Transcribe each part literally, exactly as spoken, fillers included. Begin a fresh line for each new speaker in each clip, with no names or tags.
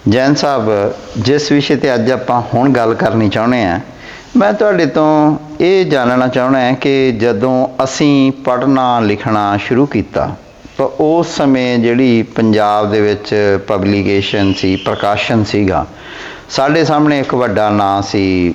ਜੈਨ ਸਾਹਿਬ, ਜਿਸ ਵਿਸ਼ੇ 'ਤੇ ਅੱਜ ਆਪਾਂ ਹੁਣ ਗੱਲ ਕਰਨੀ ਚਾਹੁੰਦੇ ਹਾਂ, ਮੈਂ ਤੁਹਾਡੇ ਤੋਂ ਇਹ ਜਾਣਨਾ ਚਾਹੁੰਦਾ ਹਾਂ ਕਿ ਜਦੋਂ ਅਸੀਂ ਪੜ੍ਹਨਾ ਲਿਖਣਾ ਸ਼ੁਰੂ ਕੀਤਾ ਤਾਂ ਉਸ ਸਮੇਂ ਜਿਹੜੀ ਪੰਜਾਬ ਦੇ ਵਿੱਚ ਪਬਲੀਕੇਸ਼ਨ ਸੀ, ਪ੍ਰਕਾਸ਼ਨ ਸੀਗਾ, ਸਾਡੇ ਸਾਹਮਣੇ ਇੱਕ ਵੱਡਾ ਨਾਂ ਸੀ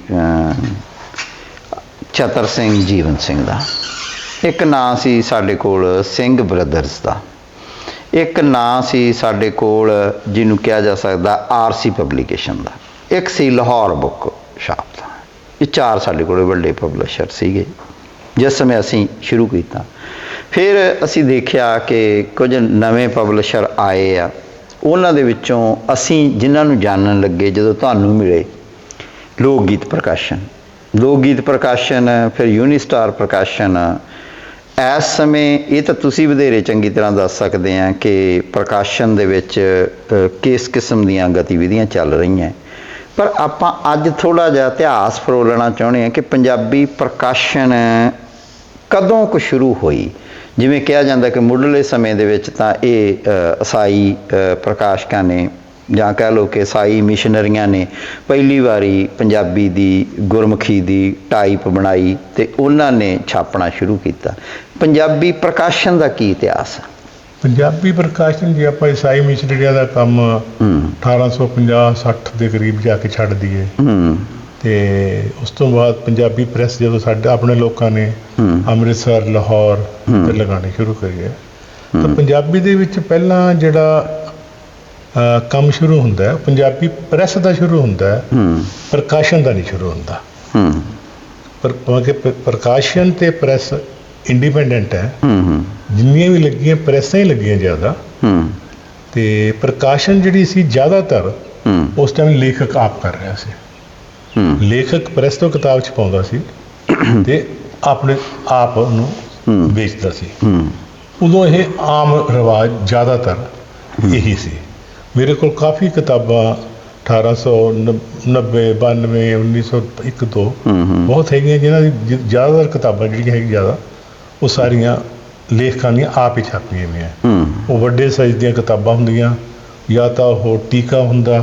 ਚਤਰ ਸਿੰਘ ਜੀਵਨ ਸਿੰਘ ਦਾ, ਇੱਕ ਨਾਂ ਸੀ ਸਾਡੇ ਕੋਲ ਸਿੰਘ ਬ੍ਰਦਰਸ ਦਾ, ਇੱਕ ਨਾਂ ਸੀ ਸਾਡੇ ਕੋਲ ਜਿਹਨੂੰ ਕਿਹਾ ਜਾ ਸਕਦਾ ਆਰ ਸੀ ਪਬਲੀਕੇਸ਼ਨ ਦਾ, ਇੱਕ ਸੀ ਲਾਹੌਰ ਬੁੱਕ ਸ਼ਾਪ ਦਾ। ਇਹ ਚਾਰ ਸਾਡੇ ਕੋਲ ਵੱਡੇ ਪਬਲਿਸ਼ਰ ਸੀਗੇ ਜਿਸ ਸਮੇਂ ਅਸੀਂ ਸ਼ੁਰੂ ਕੀਤਾ। ਫਿਰ ਅਸੀਂ ਦੇਖਿਆ ਕਿ ਕੁਝ ਨਵੇਂ ਪਬਲਿਸ਼ਰ ਆਏ ਆ, ਉਹਨਾਂ ਦੇ ਵਿੱਚੋਂ ਅਸੀਂ ਜਿਨ੍ਹਾਂ ਨੂੰ ਜਾਣਨ ਲੱਗੇ ਜਦੋਂ ਤੁਹਾਨੂੰ ਮਿਲੇ, ਲੋਕ ਗੀਤ ਪ੍ਰਕਾਸ਼ਨ ਲੋਕ ਗੀਤ ਪ੍ਰਕਾਸ਼ਨ ਫਿਰ ਯੂਨੀਸਟਾਰ ਪ੍ਰਕਾਸ਼ਨ। ਇਸ ਸਮੇਂ ਇਹ ਤਾਂ ਤੁਸੀਂ ਵਧੇਰੇ ਚੰਗੀ ਤਰ੍ਹਾਂ ਦੱਸ ਸਕਦੇ ਆ ਕਿ ਪ੍ਰਕਾਸ਼ਨ ਦੇ ਵਿੱਚ ਕਿਸ ਕਿਸਮ ਦੀਆਂ ਗਤੀਵਿਧੀਆਂ ਚੱਲ ਰਹੀਆਂ, ਪਰ ਆਪਾਂ ਅੱਜ ਥੋੜ੍ਹਾ ਜਿਹਾ ਇਤਿਹਾਸ ਫਰੋਲਣਾ ਚਾਹੁੰਦੇ ਹਾਂ ਕਿ ਪੰਜਾਬੀ ਪ੍ਰਕਾਸ਼ਨ ਕਦੋਂ ਕੁ ਸ਼ੁਰੂ ਹੋਈ। ਜਿਵੇਂ ਕਿਹਾ ਜਾਂਦਾ ਕਿ ਮੁੱਢਲੇ ਸਮੇਂ ਦੇ ਵਿੱਚ ਤਾਂ ਇਹ ਈਸਾਈ ਪ੍ਰਕਾਸ਼ਕਾਂ ਨੇ ਜਾਂ ਕਹਿ ਲਓ ਕਿ ਈਸਾਈ ਮਿਸ਼ਨਰੀਆਂ ਨੇ ਪਹਿਲੀ ਵਾਰੀ ਪੰਜਾਬੀ ਦੀ ਗੁਰਮੁਖੀ ਦੀ ਟਾਈਪ ਬਣਾਈ ਅਤੇ ਉਹਨਾਂ ਨੇ ਛਾਪਣਾ ਸ਼ੁਰੂ ਕੀਤਾ। ਪੰਜਾਬੀ ਪ੍ਰਕਾਸ਼ਨ ਦਾ ਕੀ ਇਤਿਹਾਸ?
ਪੰਜਾਬੀ ਪ੍ਰਕਾਸ਼ਨ ਜੇ ਆਪਾਂ ਈਸਾਈ ਮਿਸ਼ਨਰੀਆਂ ਦਾ ਕੰਮ ਅਠਾਰਾਂ ਸੌ ਪੰਜਾਹ ਸੱਠ ਦੇ ਕਰੀਬ ਜਾ ਕੇ ਛੱਡ ਦਈਏ, ਅਤੇ ਉਸ ਤੋਂ ਬਾਅਦ ਪੰਜਾਬੀ ਪ੍ਰੈਸ ਜਦੋਂ ਸਾਡੇ ਆਪਣੇ ਲੋਕਾਂ ਨੇ ਅੰਮ੍ਰਿਤਸਰ, ਲਾਹੌਰ ਤੇ ਲਗਾਉਣੇ ਸ਼ੁਰੂ ਕਰੀਏ, ਤਾਂ ਪੰਜਾਬੀ ਦੇ ਵਿੱਚ ਪਹਿਲਾਂ ਜਿਹੜਾ ਕੰਮ ਸ਼ੁਰੂ ਹੁੰਦਾ ਪੰਜਾਬੀ ਪ੍ਰੈਸ ਦਾ ਸ਼ੁਰੂ ਹੁੰਦਾ, ਪ੍ਰਕਾਸ਼ਨ ਦਾ ਨਹੀਂ ਸ਼ੁਰੂ ਹੁੰਦਾ। ਪਰ ਕਿਉਂਕਿ ਪ੍ਰਕਾਸ਼ਨ ਅਤੇ ਪ੍ਰੈਸ ਇੰਡੀਪੈਂਡੈਂਟ ਹੈ, ਜਿੰਨੀਆਂ ਵੀ ਲੱਗੀਆਂ ਪ੍ਰੈਸਾਂ ਹੀ ਲੱਗੀਆਂ ਜ਼ਿਆਦਾ, ਅਤੇ ਪ੍ਰਕਾਸ਼ਨ ਜਿਹੜੀ ਸੀ ਜ਼ਿਆਦਾਤਰ ਉਸ ਟਾਈਮ ਲੇਖਕ ਆਪ ਕਰ ਰਿਹਾ ਸੀ। ਲੇਖਕ ਪ੍ਰੈਸ ਤੋਂ ਕਿਤਾਬ ਛਪਾਉਂਦਾ ਸੀ ਅਤੇ ਆਪਣੇ ਆਪ ਨੂੰ ਵੇਚਦਾ ਸੀ। ਉਦੋਂ ਇਹ ਆਮ ਰਿਵਾਜ ਜ਼ਿਆਦਾਤਰ ਇਹੀ ਸੀ। ਮੇਰੇ ਕੋਲ ਕਾਫੀ ਕਿਤਾਬਾਂ ਅਠਾਰਾਂ ਸੌ ਨੱਬੇ ਬਾਨਵੇਂ ਉੱਨੀ ਸੌ ਇੱਕ ਦੋ ਬਹੁਤ ਹੈਗੀਆਂ ਜਿਨ੍ਹਾਂ ਦੀ ਜ਼ਿਆਦਾਤਰ ਕਿਤਾਬਾਂ ਜਿਹੜੀਆਂ ਹੈਗੀਆਂ ਜ਼ਿਆਦਾ ਉਹ ਸਾਰੀਆਂ ਲੇਖਕਾਂ ਦੀਆਂ ਆਪ ਹੀ ਛਾਪੀਆਂ ਹੋਈਆਂ। ਉਹ ਵੱਡੇ ਸਾਈਜ਼ ਦੀਆਂ ਕਿਤਾਬਾਂ ਹੁੰਦੀਆਂ, ਜਾਂ ਤਾਂ ਉਹ ਟੀਕਾ ਹੁੰਦਾ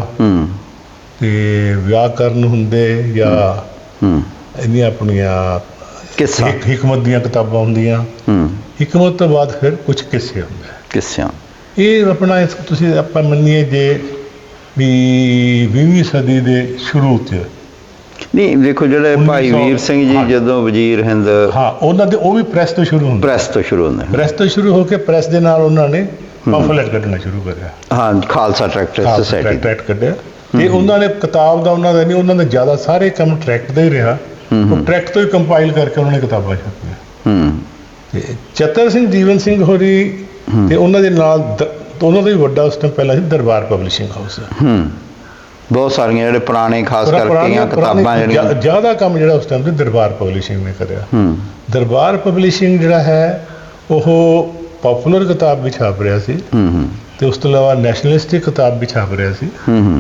ਅਤੇ ਵਿਆਕਰਨ ਹੁੰਦੇ, ਜਾਂ ਇਹਦੀਆਂ ਆਪਣੀਆਂ ਹਿਕਮਤ ਦੀਆਂ ਕਿਤਾਬਾਂ ਹੁੰਦੀਆਂ। ਹਿਕਮਤ ਤੋਂ ਬਾਅਦ ਫਿਰ ਕੁਛ ਕਿੱਸੇ ਹੁੰਦੇ।
ਕਿੱਸਿਆਂ
ਇਹ ਆਪਣਾ ਇਸ ਤੁਸੀਂ ਆਪਾਂ ਮੰਨੀਏ ਜੇ ਵੀ ਵੀਹਵੀਂ ਸਦੀ ਦੇ ਸ਼ੁਰੂ 'ਚ
ਨਹੀਂ, ਦੇਖੋ ਜਿਹੜੇ ਭਾਈ ਵੀਰ ਸਿੰਘ ਜੀ ਜਦੋਂ ਵਜ਼ੀਰ ਹਿੰਦ,
ਹਾਂ ਉਹਨਾਂ ਦੇ ਉਹ ਵੀ ਪ੍ਰੈਸ ਤੋਂ ਸ਼ੁਰੂ ਹੁੰਦੇ
ਪ੍ਰੈਸ ਤੋਂ ਸ਼ੁਰੂ ਹੁੰਦੇ
ਪ੍ਰੈਸ ਤੋਂ ਸ਼ੁਰੂ ਹੋ ਕੇ ਪ੍ਰੈਸ ਦੇ ਨਾਲ ਉਹਨਾਂ ਨੇ ਪੰਫਲੇਟ ਕੱਢਣਾ ਸ਼ੁਰੂ ਕਰਿਆ। ਹਾਂ,
ਖਾਲਸਾ ਟਰੈਕਟਰ ਸੋਸਾਇਟੀ
ਟਰੈਕਟ ਕੱਢਿਆ, ਅਤੇ ਉਹਨਾਂ ਨੇ ਕਿਤਾਬ ਦਾ ਉਹਨਾਂ ਦਾ ਨਹੀਂ, ਉਹਨਾਂ ਦਾ ਜ਼ਿਆਦਾ ਸਾਰੇ ਕੰਮ ਟਰੈਕਟ ਦਾ ਹੀ ਰਿਹਾ। ਉਹ ਟਰੈਕਟ ਤੋਂ ਹੀ ਕੰਪਾਈਲ ਕਰਕੇ ਉਹਨਾਂ ਨੇ ਕਿਤਾਬਾਂ ਛਾਪੀਆਂ। ਅਤੇ ਚਤਰ ਸਿੰਘ ਜੀਵਨ ਸਿੰਘ ਹੋਰੀ ਅਤੇ ਉਹਨਾਂ ਦੇ ਨਾਲ ਉਹਨਾਂ ਦਾ ਵੀ ਵੱਡਾ ਉਸ ਟਾਈਮ ਪਹਿਲਾਂ ਸੀ ਦਰਬਾਰ ਪਬਲਿਸ਼ਿੰਗ ਹਾਊਸ।
ਬਹੁਤ ਸਾਰੀਆਂ ਜਿਹੜੇ ਪੁਰਾਣੇ ਖਾਸ ਕਰਕੇ ਕਿਤਾਬਾਂ ਜਿਹੜੀਆਂ
ਜ਼ਿਆਦਾ ਕੰਮ ਜਿਹੜਾ ਉਸ ਟਾਈਮ 'ਤੇ ਦਰਬਾਰ ਪਬਲਿਸ਼ਿੰਗ ਨੇ ਕਰਿਆ। ਦਰਬਾਰ ਪਬਲਿਸ਼ਿੰਗ ਜਿਹੜਾ ਹੈ ਉਹ ਪੋਪੂਲਰ ਕਿਤਾਬ ਵੀ ਛਾਪ ਰਿਹਾ ਸੀ, ਅਤੇ ਉਸ ਤੋਂ ਇਲਾਵਾ ਨੈਸ਼ਨਲਿਸਟਿਕ ਕਿਤਾਬ ਵੀ ਛਾਪ ਰਿਹਾ ਸੀ,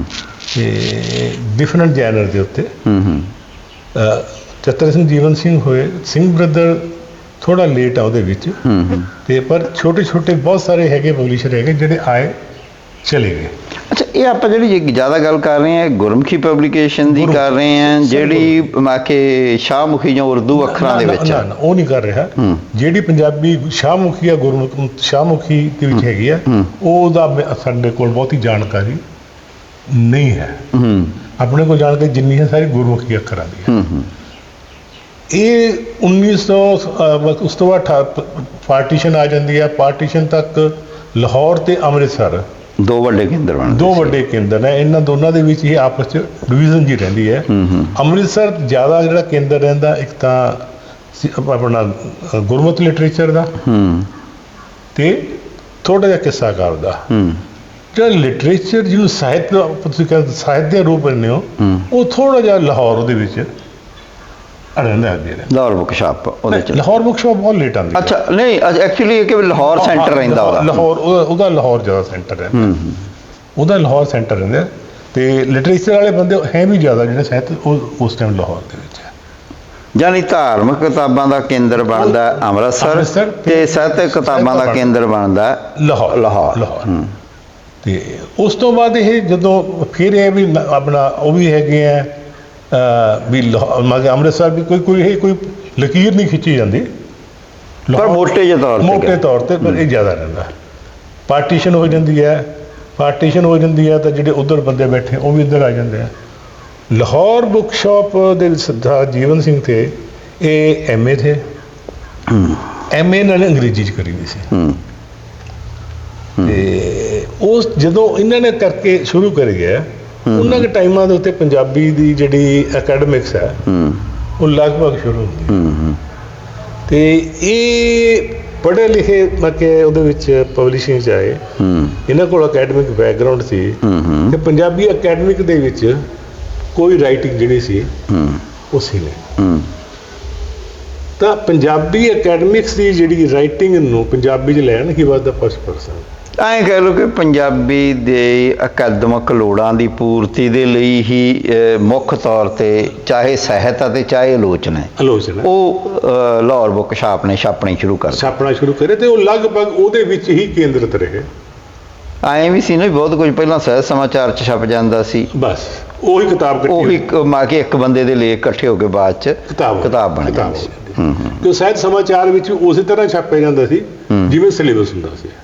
ਅਤੇ ਡਿਫਰੈਂਟ ਜੈਨਰ ਦੇ ਉੱਤੇ। ਚਤਰ ਸਿੰਘ ਜੀਵਨ ਸਿੰਘ ਹੋਏ, ਸਿੰਘ ਬ੍ਰਦਰ ਥੋੜ੍ਹਾ ਲੇਟ ਆ ਉਹਦੇ ਵਿੱਚ, ਅਤੇ ਪਰ ਛੋਟੇ ਛੋਟੇ ਬਹੁਤ ਸਾਰੇ ਹੈਗੇ ਪਬਲਿਸ਼ਰ ਹੈਗੇ ਜਿਹੜੇ ਆਏ ਚਲੇ ਗਏ।
ਅੱਛਾ, ਇਹ ਆਪਾਂ ਜਿਹੜੀ ਜ਼ਿਆਦਾ ਗੱਲ ਕਰ ਰਹੇ ਹਾਂ ਗੁਰਮੁਖੀ ਪਬਲੀਕੇਸ਼ਨ ਦੀ ਕਰ ਰਹੇ ਹਾਂ, ਜਿਹੜੀ ਕਿ ਸ਼ਾਹਮੁਖੀ ਜਾਂ ਉਰਦੂ ਅੱਖਰਾਂ ਦੇ ਵਿੱਚ?
ਨਾ, ਉਹ ਨਹੀਂ ਕਰ ਰਿਹਾ। ਜਿਹੜੀ ਪੰਜਾਬੀ ਸ਼ਾਹਮੁਖੀ ਆ ਗੁਰਮੁਖ ਸ਼ਾਹਮੁਖੀ ਦੇ ਵਿੱਚ ਹੈਗੀ ਆ, ਉਹਦਾ ਸਾਡੇ ਕੋਲ ਬਹੁਤੀ ਜਾਣਕਾਰੀ ਨਹੀਂ ਹੈ। ਆਪਣੇ ਕੋਲ ਜਾਣਕਾਰੀ ਜਿੰਨੀ ਹੈ ਸਾਰੀ ਗੁਰਮੁਖੀ ਅੱਖਰਾਂ ਦੀ ਹੈ। ਇਹ ਉੱਨੀ ਸੌ ਉਸ ਤੋਂ ਬਾਅਦ ਪਾਰਟੀਸ਼ਨ ਆ ਜਾਂਦੀ ਹੈ। ਪਾਰਟੀਸ਼ਨ ਤੱਕ ਲਾਹੌਰ ਅਤੇ ਅੰਮ੍ਰਿਤਸਰ
ਦੋ ਵੱਡੇ ਕੇਂਦਰ ਬਣ
ਦੋ ਵੱਡੇ ਕੇਂਦਰ ਨੇ। ਇਹਨਾਂ ਦੋਨਾਂ ਦੇ ਵਿੱਚ ਹੀ ਆਪਸ 'ਚ ਡਿਵੀਜ਼ਨ ਜੀ ਰਹਿੰਦੀ ਹੈ। ਅੰਮ੍ਰਿਤਸਰ ਜ਼ਿਆਦਾ ਜਿਹੜਾ ਕੇਂਦਰ ਰਹਿੰਦਾ, ਇੱਕ ਤਾਂ ਆਪਣਾ ਗੁਰਮਤਿ ਲਿਟਰੇਚਰ ਦਾ ਅਤੇ ਥੋੜ੍ਹਾ ਜਿਹਾ ਕਿੱਸਾਕਾਰ ਦਾ। ਜਿਹੜਾ ਲਿਟਰੇਚਰ ਜਿਹਨੂੰ ਸਾਹਿਤ ਤੁਸੀਂ ਕਹਿੰਦੇ ਸਾਹਿਤ ਦੇ ਰੂਪ ਦਿੰਦੇ ਹੋ, ਉਹ ਥੋੜ੍ਹਾ ਜਿਹਾ ਲਾਹੌਰ ਉਹਦੇ ਵਿੱਚ ਰਹਿੰਦਾ।
ਲਾਹੌਰ ਬੁੱਕ ਸ਼ਾਪ ਉਹਦੇ 'ਚ
ਲਾਹੌਰ ਬੁੱਕ ਸ਼ਾਪ ਬਹੁਤ ਲੇਟ ਆਉਂਦੀ।
ਅੱਛਾ, ਨਹੀਂ ਐਕਚੁਅਲੀ ਇਹ ਕਿ ਲਾਹੌਰ ਸੈਂਟਰ ਰਹਿੰਦਾ ਉਹਦਾ।
ਲਾਹੌਰ ਉਹਦਾ ਲਾਹੌਰ ਜ਼ਿਆਦਾ ਸੈਂਟਰ ਰਹਿੰਦਾ, ਉਹਦਾ ਲਾਹੌਰ ਸੈਂਟਰ ਰਹਿੰਦਾ। ਅਤੇ ਲਿਟਰੇਚਰ ਵਾਲੇ ਬੰਦੇ ਹੈ ਵੀ ਜ਼ਿਆਦਾ ਜਿਹੜੇ ਸਾਹਿਤ ਉਹ ਉਸ ਟਾਈਮ ਲਾਹੌਰ ਦੇ ਵਿੱਚ ਹੈ।
ਯਾਨੀ ਧਾਰਮਿਕ ਕਿਤਾਬਾਂ ਦਾ ਕੇਂਦਰ ਬਣਦਾ ਅੰਮ੍ਰਿਤਸਰ, ਅਤੇ ਸਾਹਿਤਕ ਕਿਤਾਬਾਂ ਦਾ ਕੇਂਦਰ ਬਣਦਾ
ਲਾਹੌਰ।
ਲਾਹੌਰ
ਲਾਹੌਰ ਤੇ ਉਸ ਤੋਂ ਬਾਅਦ ਇਹ ਜਦੋਂ ਫਿਰ ਇਹ ਵੀ ਨ- ਆਪਣਾ ਉਹ ਵੀ ਹੈਗੇ ਆ ਅਹ, ਵੀ ਲਾਹੌਰ ਮਤਲਬ ਅੰਮ੍ਰਿਤਸਰ ਵੀ ਕੋਈ ਕੋਈ ਇਹ ਕੋਈ ਲਕੀਰ ਨਹੀਂ ਖਿੱਚੀ ਜਾਂਦੀ
ਪਰ
ਲਾਹੌਰ-
ਮੋਟੇ ਜਿਹੇ ਤੌਰ ਤੇ
ਮੋਟੇ
ਕਹਿ-
ਤੌਰ ਤੇ ਪਰ ਇਹ ਜ਼ਿਆਦਾ ਰਹਿੰਦਾ ਪਾਰਟੀਸ਼ਨ ਹੋ ਜਾਂਦੀ ਹੈ ਪਾਰਟੀਸ਼ਨ ਹੋ ਜਾਂਦੀ ਹੈ ਤਾਂ ਜਿਹੜੇ ਉਧਰ ਬੰਦੇ ਬੈਠੇ ਉਹ ਵੀ ਇੱਧਰ ਆ ਜਾਂਦੇ ਆ ਲਾਹੌਰ ਬੁੱਕ ਸ਼ਾਪ ਦੇ ਵਿੱਚ ਸਰਦਾਰ ਜੀਵਨ ਸਿੰਘ ਥੇ ਇਹ ਐਮ ਏ ਥੇ
ਹੂੰ
ਐਮ ਏ ਇਹਨਾਂ ਨੇ ਅੰਗਰੇਜ਼ੀ ਚ ਕਰੀ ਹੋਈ ਸੀ
ਹੂੰ
ਤੇ ਉਸ ਜਦੋਂ ਇਹਨਾਂ ਨੇ ਕਰਕੇ ਸ਼ੁਰੂ ਕਰੀ ਗਿਆ ਉਹਨਾਂ ਦੇ ਟਾਈਮਾਂ ਦੇ ਉੱਤੇ ਪੰਜਾਬੀ ਦੀ ਜਿਹੜੀ ਅਕੈਡਮਿਕਸ ਹੈ
ਹੂੰ
ਉਹ ਲਗਭਗ ਸ਼ੁਰੂ ਹੁੰਦੀ ਹੈ।
ਹੂੰ ਹੂੰ
ਤੇ ਇਹ ਪੜ੍ਹੇ ਲਿਖੇ ਮਤਲਬ ਕਿ ਉਹਦੇ ਵਿੱਚ ਪਬਲਿਸ਼ਿੰਗ 'ਚ ਆਏ
ਹੂੰ
ਇਹਨਾਂ ਕੋਲ ਅਕੈਡਮਿਕ ਬੈਕਗ੍ਰਾਉਂਡ ਸੀ
ਹੂੰ ਹੂੰ
ਤੇ ਪੰਜਾਬੀ ਅਕੈਡਮਿਕ ਦੇ ਵਿੱਚ ਕੋਈ ਰਾਈਟਿੰਗ ਜਿਹੜੀ ਸੀ
ਹੂੰ
ਉਹ ਸੀ ਨਹੀਂ
ਹੂੰ
ਤਾਂ ਪੰਜਾਬੀ ਅਕੈਡਮਿਕਸ ਦੀ ਜਿਹੜੀ ਰਾਈਟਿੰਗ ਨੂੰ ਪੰਜਾਬੀ 'ਚ ਲੈਣ ਕੀ ਵਾਧਾ ਫਸਟ ਪਰਸਨ
ਐਂ ਕਹਿ ਲਓ ਕਿ ਪੰਜਾਬੀ ਦੇ ਅਕਾਦਮਿਕ ਲੋੜਾਂ ਦੀ ਪੂਰਤੀ ਦੇ ਲਈ ਹੀ ਅਹ, ਮੁੱਖ ਤੌਰ ਤੇ ਚਾਹੇ ਸਾਹਿਤ ਅਤੇ ਚਾਹੇ ਆਲੋਚਨਾ ਹੈ,
ਆਲੋਚਨਾ
ਉਹ ਅਹ, ਲਾਹੌਰ ਬੁੱਕ ਸ਼ਾਪ ਨੇ ਛਾਪਣੀ ਸ਼ੁਰੂ ਕਰ ਦਿੱਤੀ।
ਛਾਪਣਾ ਸ਼ੁਰੂ ਕਰੇ ਤੇ ਉਹ ਲਗਭਗ ਉਹਦੇ ਵਿੱਚ ਹੀ ਕੇਂਦਰਿਤ ਰਹੇ
ਐਂ ਵੀ ਸੀ ਨਾ ਵੀ ਬਹੁਤ ਕੁਝ ਪਹਿਲਾਂ ਸਾਹਿਤ ਸਮਾਚਾਰ ਚ ਛਪ ਜਾਂਦਾ ਸੀ,
ਬਸ ਉਹੀ ਕਿਤਾਬ ਕੱਟੀ
ਉਹ ਇੱਕ ਮਾ ਕੇ ਇੱਕ ਬੰਦੇ ਦੇ ਲੇਖ ਇਕੱਠੇ ਹੋ ਕੇ ਬਾਅਦ ਚ
ਕਿਤਾਬ
ਕਿਤਾਬ ਬਣ
ਕਿਤਾਬ
ਜਾਂਦੀ ਸੀ।
ਹੋ
ਹੂੰ
ਜਾਂਦੀ ਸੀ। ਤੇ ਸਾਹਿਤ ਸਮਾਚਾਰ ਵਿੱਚ ਉਸੇ ਤਰ੍ਹਾਂ ਛਾਪਿਆ ਜਾਂਦਾ ਸੀ
ਹੂੰ।
ਜਿਵੇਂ ਸਿਲੇਬਸ ਹੁੰਦਾ ਸੀ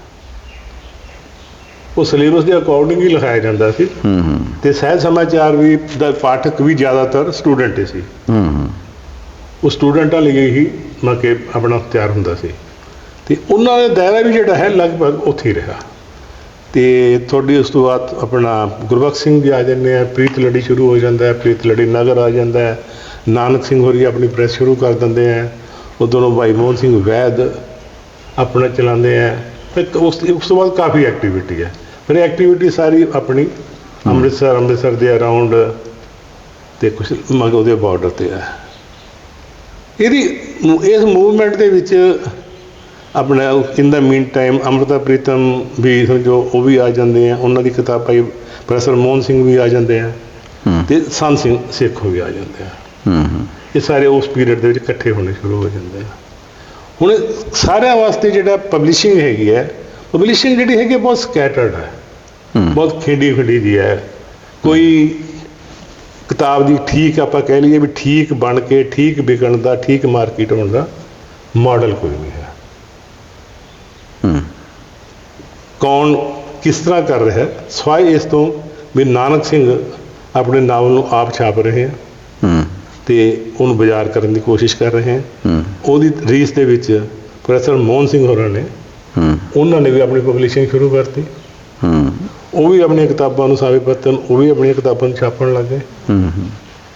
ਉਹ ਸਿਲੇਬਸ ਦੇ ਅਕੋਰਡਿੰਗ ਹੀ ਲਿਖਾਇਆ ਜਾਂਦਾ ਸੀ
ਹੂੰ ਹੂੰ
ਤੇ ਸਾਹਿਤ ਸਮਾਚਾਰ ਵੀ ਦਾ ਪਾਠਕ ਵੀ ਜ਼ਿਆਦਾਤਰ ਸਟੂਡੈਂਟ ਹੀ ਸੀ
ਹੂੰ ਹੂੰ
ਉਹ ਸਟੂਡੈਂਟਾਂ ਲਈ ਹੀ ਮਤਲਬ ਕਿ ਆਪਣਾ ਤਿਆਰ ਹੁੰਦਾ ਸੀ ਤੇ ਉਹਨਾਂ ਦਾ ਦਾਇਰਾ ਵੀ ਜਿਹੜਾ ਹੈ ਲਗਭਗ ਉੱਥੇ ਹੀ ਰਿਹਾ ਤੇ ਤੁਹਾਡੀ ਉਸ ਤੋਂ ਬਾਅਦ ਆਪਣਾ ਗੁਰਬਖਸ਼ ਸਿੰਘ ਵੀ ਆ ਜਾਂਦੇ ਆ ਪ੍ਰੀਤ ਲੜੀ ਸ਼ੁਰੂ ਹੋ ਜਾਂਦਾ ਹੈ ਪ੍ਰੀਤ ਲੜੀ ਨਗਰ ਆ ਜਾਂਦਾ ਹੈ ਨਾਨਕ ਸਿੰਘ ਹੋਰੀ ਆਪਣੀ ਪ੍ਰੈਸ ਸ਼ੁਰੂ ਕਰ ਦਿੰਦੇ ਆ ਉਦੋਂ ਨੂੰ ਭਾਈ ਮੋਹਨ ਸਿੰਘ ਵੈਦ ਆਪਣਾ ਚਲਾਉਂਦੇ ਆ ਤੇ ਉਸ ਉਸ ਤੋਂ ਬਾਅਦ ਕਾਫੀ ਐਕਟੀਵਿਟੀ ਹੈ ਫਿਰ ਐਕਟੀਵਿਟੀ ਸਾਰੀ ਆਪਣੀ ਅੰਮ੍ਰਿਤਸਰ ਅੰਮ੍ਰਿਤਸਰ ਦੇ ਅਰਾਊਂਡ ਤੇ ਕੁਛ ਮਗ ਉਹਦੇ ਬਾਰਡਰ ਤੇ ਹੈ ਇਹਦੀ ਇਸ ਮੂਵਮੈਂਟ ਦੇ ਵਿੱਚ ਆਪਣਾ in the meantime Amrita Pritam ਵੀ ਸਮਝੋ ਉਹ ਵੀ ਆ ਜਾਂਦੇ ਆ ਉਹਨਾਂ ਦੀ ਕਿਤਾਬ ਭਾਈ ਪ੍ਰੋਫੈਸਰ ਮੋਹਨ ਸਿੰਘ ਵੀ ਆ ਜਾਂਦੇ ਆ
ਹੂੰ
ਤੇ ਸੰਤ ਸਿੰਘ ਸੇਖੋਂ ਵੀ ਆ ਜਾਂਦੇ ਆ
ਹੂੰ ਹੂੰ
ਇਹ ਸਾਰੇ ਉਸ ਪੀਰੀਅਡ ਦੇ ਵਿੱਚ ਇਕੱਠੇ ਹੋਣੇ ਸ਼ੁਰੂ ਹੋ ਜਾਂਦੇ ਆ ਹੁਣ ਸਾਰਿਆਂ ਵਾਸਤੇ ਜਿਹੜਾ ਪਬਲਿਸ਼ਿੰਗ ਹੈਗੀ ਹੈ ਪਬਲਿਸ਼ਿੰਗ ਜਿਹੜੀ ਹੈਗੀ ਹੈ ਬਹੁਤ ਸਕੈਟਰਡ ਹੈ
ਹੂੰ
ਬਹੁਤ ਖੇਡੀ ਖੇਡੀ ਦੀ ਹੈ ਕੋਈ ਕਿਤਾਬ ਦੀ ਠੀਕ ਆਪਾਂ ਕਹਿ ਲਈਏ ਵੀ ਠੀਕ ਬਣ ਕੇ ਠੀਕ ਵਿਕਣ ਦਾ ਠੀਕ ਮਾਰਕੀਟ ਹੋਣ ਦਾ ਮਾਡਲ ਕੋਈ ਨਹੀਂ ਹੈ
ਹੂੰ
ਕੌਣ ਕਿਸ ਤਰ੍ਹਾਂ ਕਰ ਰਿਹਾ ਹੈ ਸਵਾਏ ਇਸ ਤੋਂ ਵੀ ਨਾਨਕ ਸਿੰਘ ਆਪਣੇ ਨਾਵਲ ਨੂੰ ਆਪ ਛਾਪ ਰਹੇ ਹੈ
ਹੂੰ
ਤੇ ਉਹਨੂੰ ਬਾਜ਼ਾਰ ਕਰਨ ਦੀ ਕੋਸ਼ਿਸ਼ ਕਰ ਰਹੇ ਹੈ
ਹੂੰ
ਉਹਦੀ ਰੀਸ ਦੇ ਵਿੱਚ ਪ੍ਰੋਫੈਸਰ ਮੋਹਨ ਸਿੰਘ ਹੋਰਾਂ ਨੇ
ਹੂੰ
ਉਹਨਾਂ ਨੇ ਵੀ ਆਪਣੀ ਪਬਲਿਸ਼ਿੰਗ ਸ਼ੁਰੂ ਕਰਤੀ
ਹੂੰ
ਉਹ ਵੀ ਆਪਣੀਆਂ ਕਿਤਾਬਾਂ ਨੂੰ ਸਾਵੇ ਪੱਤਨ ਉਹ ਵੀ ਆਪਣੀਆਂ ਕਿਤਾਬਾਂ ਨੂੰ ਛਾਪਣ ਲੱਗ ਗਏ
ਹੂੰ ਹੂੰ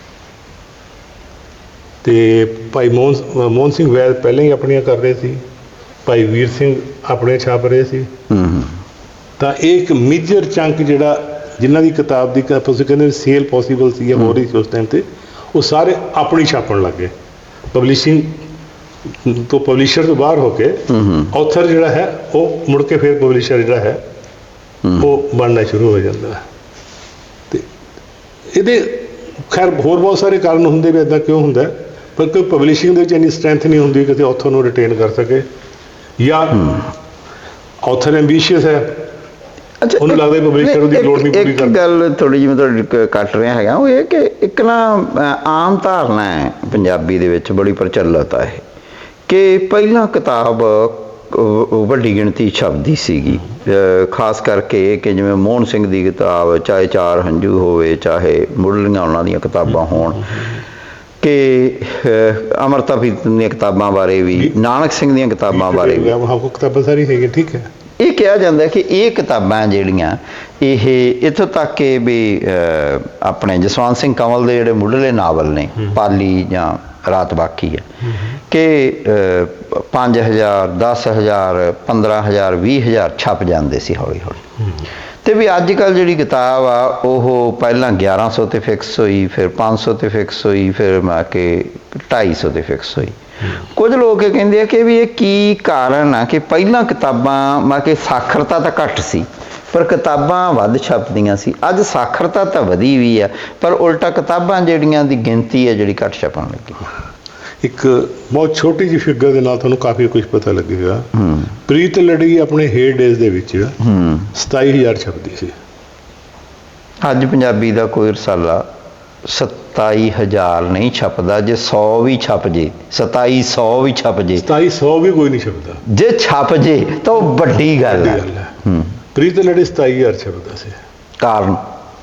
ਤੇ ਭਾਈ ਮੋਹਨ ਮੋਹਨ ਸਿੰਘ ਵੈਦ ਪਹਿਲਾਂ ਹੀ ਆਪਣੀਆਂ ਕਰ ਰਹੇ ਸੀ ਭਾਈ ਵੀਰ ਸਿੰਘ ਆਪਣੇ ਛਾਪ ਰਹੇ ਸੀ
ਹੂੰ ਹੂੰ
ਤਾਂ ਇਹ ਇੱਕ ਮੇਜਰ ਚੰਕ ਜਿਹੜਾ ਜਿਨ੍ਹਾਂ ਦੀ ਕਿਤਾਬ ਦੀ ਤੁਸੀਂ ਕਹਿੰਦੇ ਸੇਲ ਪੋਸੀਬਲ ਸੀ ਜਾਂ ਹੋ ਰਹੀ ਸੀ ਉਸ ਟਾਈਮ ਤੇ ਉਹ ਸਾਰੇ ਆਪਣੀ ਛਾਪਣ ਲੱਗ ਗਏ ਪਬਲਿਸ਼ਿੰਗ ਤੋਂ ਪਬਲਿਸ਼ਰ ਤੋਂ ਬਾਹਰ ਹੋ ਕੇ
ਹੂੰ
ਆਥਰ ਜਿਹੜਾ ਹੈ ਉਹ ਮੁੜ ਕੇ ਫਿਰ ਪਬਲਿਸ਼ਰ ਜਿਹੜਾ ਹੈ ਉਹ ਬਣਨਾ ਸ਼ੁਰੂ ਹੋ ਜਾਂਦਾ ਹੈ ਤੇ ਇਹਦੇ ਖੈਰ ਹੋਰ ਬਹੁਤ ਸਾਰੇ ਕਾਰਨ ਹੁੰਦੇ ਵੀ ਇਦਾਂ ਕਿਉਂ ਹੁੰਦਾ ਪਰ ਕੋਈ ਪਬਲਿਸ਼ਿੰਗ ਦੇ ਵਿੱਚ ਇੰਨੀ ਸਟਰੈਂਥ ਨਹੀਂ ਹੁੰਦੀ ਕਿ ਆਥਰ ਨੂੰ ਰਿਟੇਨ ਕਰ ਸਕੇ ਜਾਂ ਆਥਰ ਐਂਬੀਸ਼ੀਅਸ ਹੈ
ਅੱਛਾ
ਉਹਨੂੰ ਲੱਗਦਾ ਪਬਲਿਸ਼ਰ ਉਹਦੀ ਲੋੜ ਨਹੀਂ ਪੂਰੀ
ਇੱਕ
ਕਰਦਾ
ਗੱਲ ਥੋੜੀ ਜਿਹੀ ਮੈਂ ਤੁਹਾਡੀ ਕ- ਕੱਟ ਰਿਹਾ ਹੈਗਾ ਉਹ ਇਹ ਕਿ ਇੱਕ ਨਾ ਅ, ਆਮ ਧਾਰਨਾ ਹੈ ਪੰਜਾਬੀ ਦੇ ਵਿੱਚ ਬੜੀ ਪ੍ਰਚਲਿਤ ਹੈ ਕਿ ਪਹਿਲਾਂ ਕਿਤਾਬ ਅ, ਵੱਡੀ ਗਿਣਤੀ ਛਪਦੀ ਸੀਗੀ ਅ, ਖਾਸ ਕਰਕੇ ਕਿ ਜਿਵੇਂ ਮੋਹਨ ਸਿੰਘ ਦੀ ਕਿਤਾਬ ਚਾਹੇ ਚਾਰ ਹੰਝੂ ਹੋਵੇ ਚਾਹੇ ਮੁੱਢਲੀਆਂ ਉਹਨਾਂ ਦੀਆਂ ਕਿਤਾਬਾਂ ਹੋਣ ਕਿ ਅ, ਅੰਮ੍ਰਿਤਾ ਪ੍ਰੀਤਮ ਦੀਆਂ ਕਿਤਾਬਾਂ ਬਾਰੇ ਵੀ ਨਾਨਕ ਸਿੰਘ ਦੀਆਂ ਕਿਤਾਬਾਂ ਬਾਰੇ ਵੀ
ਹਾਂ ਕਿਤਾਬਾਂ ਸਾਰੀ ਹੈਗੀ ਠੀਕ ਹੈ
ਇਹ ਕਿਹਾ ਜਾਂਦਾ ਕਿ ਇਹ ਕਿਤਾਬਾਂ ਜਿਹੜੀਆਂ ਇਹ ਇੱਥੋਂ ਤੱਕ ਕਿ ਵੀ ਅਹ, ਆਪਣੇ ਜਸਵੰਤ ਸਿੰਘ ਕੰਵਲ ਦੇ ਜਿਹੜੇ ਮੁੱਢਲੇ ਨਾਵਲ ਨੇ ਪਾਲੀ ਜਾਂ ਰਾਤ ਬਾਕੀ ਹੈ ਕਿ ਅਹ, ਪੰਜ ਹਜ਼ਾਰ ਦਸ ਹਜ਼ਾਰ ਪੰਦਰਾਂ ਹਜ਼ਾਰ ਵੀਹ ਹਜ਼ਾਰ ਛਪ ਜਾਂਦੇ ਸੀ ਹੌਲੀ ਹੌਲੀ ਤੇ ਵੀ ਅੱਜ ਕੱਲ੍ਹ ਜਿਹੜੀ ਕਿਤਾਬ ਆ ਉਹ ਪਹਿਲਾਂ ਗਿਆਰਾਂ ਸੌ ਤੇ ਫਿਕਸ ਹੋਈ ਫਿਰ ਪੰਜ ਸੌ ਤੇ ਫਿਕਸ ਹੋਈ ਫਿਰ ਮੈਂ ਕਿ ਢਾਈ ਸੌ ਤੇ ਫਿਕਸ ਹੋਈ ਕੁਝ ਲੋਕ ਇਹ ਕਹਿੰਦੇ ਆ ਕਿ ਵੀ ਇਹ ਕੀ ਕਾਰਨ ਆ ਕਿ ਪਹਿਲਾਂ ਕਿਤਾਬਾਂ ਮੈਂ ਕਿ ਸਾਖਰਤਾ ਤਾਂ ਘੱਟ ਸੀ ਪਰ ਕਿਤਾਬਾਂ ਵੱਧ ਛਪਦੀਆਂ ਸੀ ਅੱਜ ਸਾਖਰਤਾ ਤਾਂ ਵਧੀ ਵੀ ਆ ਪਰ ਉਲਟਾ ਕਿਤਾਬਾਂ ਜਿਹੜੀਆਂ ਦੀ ਗਿਣਤੀ ਹੈ ਜਿਹੜੀ ਘੱਟ ਛਪਣ ਲੱਗੀ
ਇੱਕ ਬਹੁਤ ਛੋਟੀ ਜਿਹੀ ਫਿਗਰ ਦੇ ਨਾਲ ਤੁਹਾਨੂੰ ਕਾਫੀ ਕੁਝ ਪਤਾ ਲੱਗੇਗਾ।
ਹੂੰ
ਪ੍ਰੀਤ ਲੜੀ ਆਪਣੇ ਹੇਅਰ ਡੇਜ਼ ਦੇ ਵਿੱਚ
ਹੂੰ
ਸਤਾਈ ਹਜ਼ਾਰ ਛਪਦੀ ਸੀ।
ਅੱਜ ਪੰਜਾਬੀ ਦਾ ਕੋਈ ਰਸਾਲਾ ਸਤਾਈ ਹਜ਼ਾਰ ਨਹੀਂ ਛਪਦਾ। ਜੇ ਸੌ ਵੀ ਛਪ ਜੇ, ਸਤਾਈ ਸੌ ਵੀ ਛਪ ਜੇ,
ਸਤਾਈ ਸੌ ਵੀ ਕੋਈ ਨਹੀਂ ਛਪਦਾ।
ਜੇ ਛਪ ਜੇ ਤਾਂ ਉਹ ਵੱਡੀ ਗੱਲ ਹੈ। ਹੂੰ
ਪ੍ਰੀਤ ਲੜੀ ਸਤਾਈ ਹਜ਼ਾਰ ਛਪਦਾ ਸੀ।
ਕਾਰਨ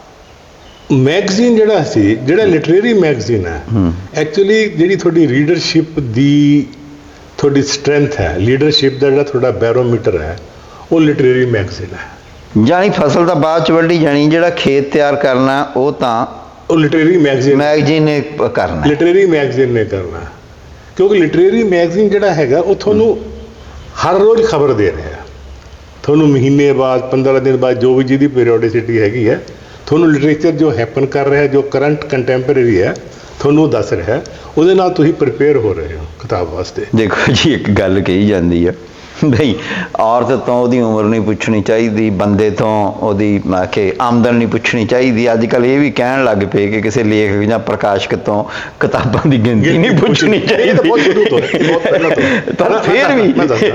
ਮੈਗਜ਼ੀਨ ਜਿਹੜਾ ਸੀ, ਜਿਹੜਾ ਲਿਟਰੇਰੀ ਮੈਗਜ਼ੀਨ ਹੈ, ਐਕਚੁਅਲੀ ਜਿਹੜੀ ਤੁਹਾਡੀ ਰੀਡਰਸ਼ਿਪ ਦੀ ਤੁਹਾਡੀ ਸਟਰੈਂਥ ਹੈ, ਲੀਡਰਸ਼ਿਪ ਦਾ ਜਿਹੜਾ ਤੁਹਾਡਾ ਬੈਰੋਮੀਟਰ ਹੈ, ਉਹ ਲਿਟਰੇਰੀ ਮੈਗਜ਼ੀਨ ਹੈ।
ਜਾਣੀ ਫਸਲ ਤਾਂ ਬਾਅਦ ਚ ਵੱਢੀ ਜਾਣੀ, ਜਿਹੜਾ ਖੇਤ ਤਿਆਰ ਕਰਨਾ ਉਹ ਤਾਂ
ਉਹ ਲਿਟਰੇਰੀ ਮੈਗਜ਼ੀਨ
ਮੈਗਜ਼ੀਨ ਨੇ ਕਰਨਾ।
ਲਿਟਰੇਰੀ ਮੈਗਜ਼ੀਨ ਨੇ ਕਰਨਾ, ਕਿਉਂਕਿ ਲਿਟਰੇਰੀ ਮੈਗਜ਼ੀਨ ਜਿਹੜਾ ਹੈਗਾ ਉਹ ਤੁਹਾਨੂੰ ਹਰ ਰੋਜ਼ ਖਬਰ ਦੇ ਰਿਹਾ, ਤੁਹਾਨੂੰ ਮਹੀਨੇ ਬਾਅਦ, ਪੰਦਰਾਂ ਦਿਨ ਬਾਅਦ, ਜੋ ਵੀ ਜਿਹਦੀ ਪੀਰੀਓਡਿਸਿਟੀ ਹੈਗੀ ਹੈ, ਤੁਹਾਨੂੰ ਲਿਟਰੇਚਰ ਜੋ ਹੈਪਨ ਕਰ ਰਿਹਾ, ਜੋ ਕਰੰਟ ਕੰਟੈਂਪਰੇਰੀ ਹੈ, ਤੁਹਾਨੂੰ ਉਹ ਦੱਸ ਰਿਹਾ। ਉਹਦੇ ਨਾਲ ਤੁਸੀਂ ਪ੍ਰਿਪੇਅਰ ਹੋ ਰਹੇ ਹੋ ਕਿਤਾਬ ਵਾਸਤੇ।
ਦੇਖੋ ਜੀ, ਇੱਕ ਗੱਲ ਕਹੀ ਜਾਂਦੀ ਆ ਬਈ ਔਰਤ ਤੋਂ ਉਹਦੀ ਉਮਰ ਨਹੀਂ ਪੁੱਛਣੀ ਚਾਹੀਦੀ, ਬੰਦੇ ਤੋਂ ਉਹਦੀ ਕਿ ਆਮਦਨ ਨਹੀਂ ਪੁੱਛਣੀ ਚਾਹੀਦੀ। ਅੱਜ ਕੱਲ੍ਹ ਇਹ ਵੀ ਕਹਿਣ ਲੱਗ ਪਏ ਕਿ ਕਿਸੇ ਲੇਖਕ ਜਾਂ ਪ੍ਰਕਾਸ਼ਕ ਤੋਂ ਕਿਤਾਬਾਂ ਦੀ ਗਿਣਤੀ ਨਹੀਂ ਪੁੱਛਣੀ ਚਾਹੀਦੀ। ਪਰ ਫਿਰ ਵੀ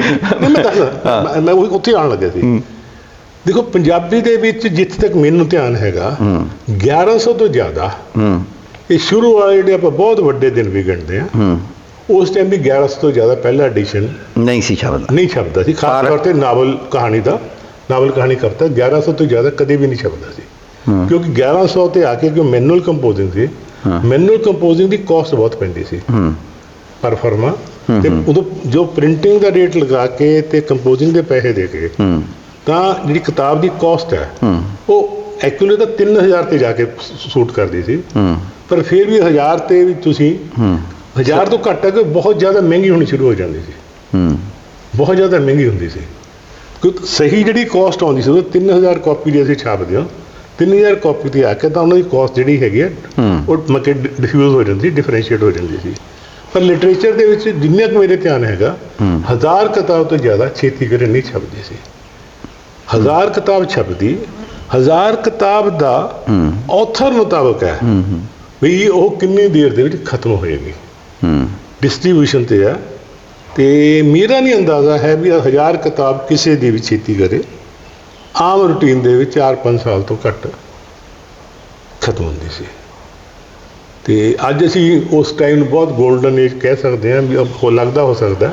ਮੈਂ ਉੱਥੇ ਆਉਣ ਲੱਗਿਆ ਸੀ। ਦੇਖੋ, ਪੰਜਾਬੀ ਦੇ ਵਿੱਚ ਜਿੱਥੇ ਤੱਕ ਮੈਨੂੰ ਧਿਆਨ ਹੈਗਾ, ਗਿਆਰਾਂ ਸੌ ਤੋਂ ਜ਼ਿਆਦਾ ਇਹ ਸ਼ੁਰੂ ਵਾਲੇ ਜਿਹੜੇ ਆਪਾਂ ਬਹੁਤ ਵੱਡੇ ਦਿਨ ਵੀ ਗਿਣਦੇ ਹਾਂ, ਉਸ ਟਾਈਮ ਵੀ ਗਿਆਰਾਂ ਸੌ ਤੋਂ ਜ਼ਿਆਦਾ ਪਹਿਲਾ ਐਡੀਸ਼ਨ
ਨਹੀਂ ਸੀ ਛਪਦਾ
ਨਹੀਂ ਛਪਦਾ ਸੀ। ਖਾਸ ਤੌਰ 'ਤੇ ਨਾਵਲ ਕਹਾਣੀ ਦਾ, ਨਾਵਲ ਕਹਾਣੀ ਕਰਤਾ ਗਿਆਰਾਂ ਸੌ ਤੋਂ ਜ਼ਿਆਦਾ ਕਦੇ ਵੀ ਨਹੀਂ ਛਪਦਾ ਸੀ। ਕਿਉਂਕਿ ਗਿਆਰਾਂ ਸੌ 'ਤੇ ਆ ਕੇ ਕਿਉਂ ਮੈਨੂਅਲ ਕੰਪੋਜ਼ਿੰਗ ਸੀ, ਮੈਨੂਅਲ ਕੰਪੋਜ਼ਿੰਗ ਦੀ ਕਾਸਟ ਬਹੁਤ ਪੈਂਦੀ ਸੀ ਪਰ ਫਰਮਾ। ਤੇ ਉਦੋਂ ਜੋ ਪ੍ਰਿੰਟਿੰਗ ਦਾ ਰੇਟ ਲਗਾ ਕੇ ਤੇ ਕੰਪੋਜ਼ਿੰਗ ਦੇ ਪੈਸੇ ਦੇ ਕੇ, ਤਾਂ ਜਿਹੜੀ ਕਿਤਾਬ ਦੀ ਕਾਸਟ ਹੈ ਉਹ ਐਕਚੁਅਲੀ ਤਾਂ ਤਿੰਨ ਹਜ਼ਾਰ 'ਤੇ ਜਾ ਕੇ ਸੂਟ ਕਰਦੀ ਸੀ। ਪਰ ਫਿਰ ਵੀ ਹਜ਼ਾਰ 'ਤੇ ਵੀ ਤੁਸੀਂ ਹਜ਼ਾਰ ਤੋਂ ਘੱਟ ਤੱਕ ਬਹੁਤ ਜ਼ਿਆਦਾ ਮਹਿੰਗੀ ਹੋਣੀ ਸ਼ੁਰੂ ਹੋ ਜਾਂਦੀ ਸੀ। ਬਹੁਤ ਜ਼ਿਆਦਾ ਮਹਿੰਗੀ ਹੁੰਦੀ ਸੀ ਕਿਉਂਕਿ ਸਹੀ ਜਿਹੜੀ ਕਾਸਟ ਆਉਂਦੀ ਸੀ ਉਹ ਤਿੰਨ ਹਜ਼ਾਰ ਕਾਪੀ ਦੀ ਅਸੀਂ ਛਾਪਦੇ ਹਾਂ, ਤਿੰਨ ਹਜ਼ਾਰ ਕਾਪੀ 'ਤੇ ਆ ਕੇ ਤਾਂ ਉਹਨਾਂ ਦੀ ਕਾਸਟ ਜਿਹੜੀ ਹੈਗੀ ਹੈ ਉਹ ਮਤਲਬ ਡਿਫਿਊਜ਼ ਹੋ ਜਾਂਦੀ, ਡਿਫਰੈਂਸ਼ੀਏਟ ਹੋ ਜਾਂਦੀ ਸੀ। ਪਰ ਲਿਟਰੇਚਰ ਦੇ ਵਿੱਚ ਜਿੰਨਾ ਕੁ ਮੇਰੇ ਧਿਆਨ ਹੈਗਾ, ਹਜ਼ਾਰ ਕਿਤਾਬ ਤੋਂ ਜ਼ਿਆਦਾ ਛੇਤੀ ਕਰੇ ਨਹੀਂ ਛਪਦੀ ਸੀ। ਹਜ਼ਾਰ ਕਿਤਾਬ ਛਪਦੀ, ਹਜ਼ਾਰ ਕਿਤਾਬ ਦਾ ਆਥਰ ਮੁਤਾਬਕ ਹੈ ਵੀ ਉਹ ਕਿੰਨੀ ਦੇਰ ਦੇ ਵਿੱਚ ਖਤਮ ਹੋਏਗੀ, ਡਿਸਟਰੀਬਿਊਸ਼ਨ 'ਤੇ ਹੈ। ਅਤੇ ਮੇਰਾ ਨਹੀਂ ਅੰਦਾਜ਼ਾ ਹੈ ਵੀ ਹਜ਼ਾਰ ਕਿਤਾਬ ਕਿਸੇ ਦੀ ਵੀ ਛੇਤੀ ਕਰੇ ਆਮ ਰੂਟੀਨ ਦੇ ਵਿੱਚ ਚਾਰ ਪੰਜ ਸਾਲ ਤੋਂ ਘੱਟ ਖਤਮ ਹੁੰਦੀ ਸੀ। ਅਤੇ ਅੱਜ ਅਸੀਂ ਉਸ ਟਾਈਮ ਨੂੰ ਬਹੁਤ ਗੋਲਡਨ ਏਜ ਕਹਿ ਸਕਦੇ ਹਾਂ ਵੀ ਉਹ ਲੱਗਦਾ ਹੋ ਸਕਦਾ,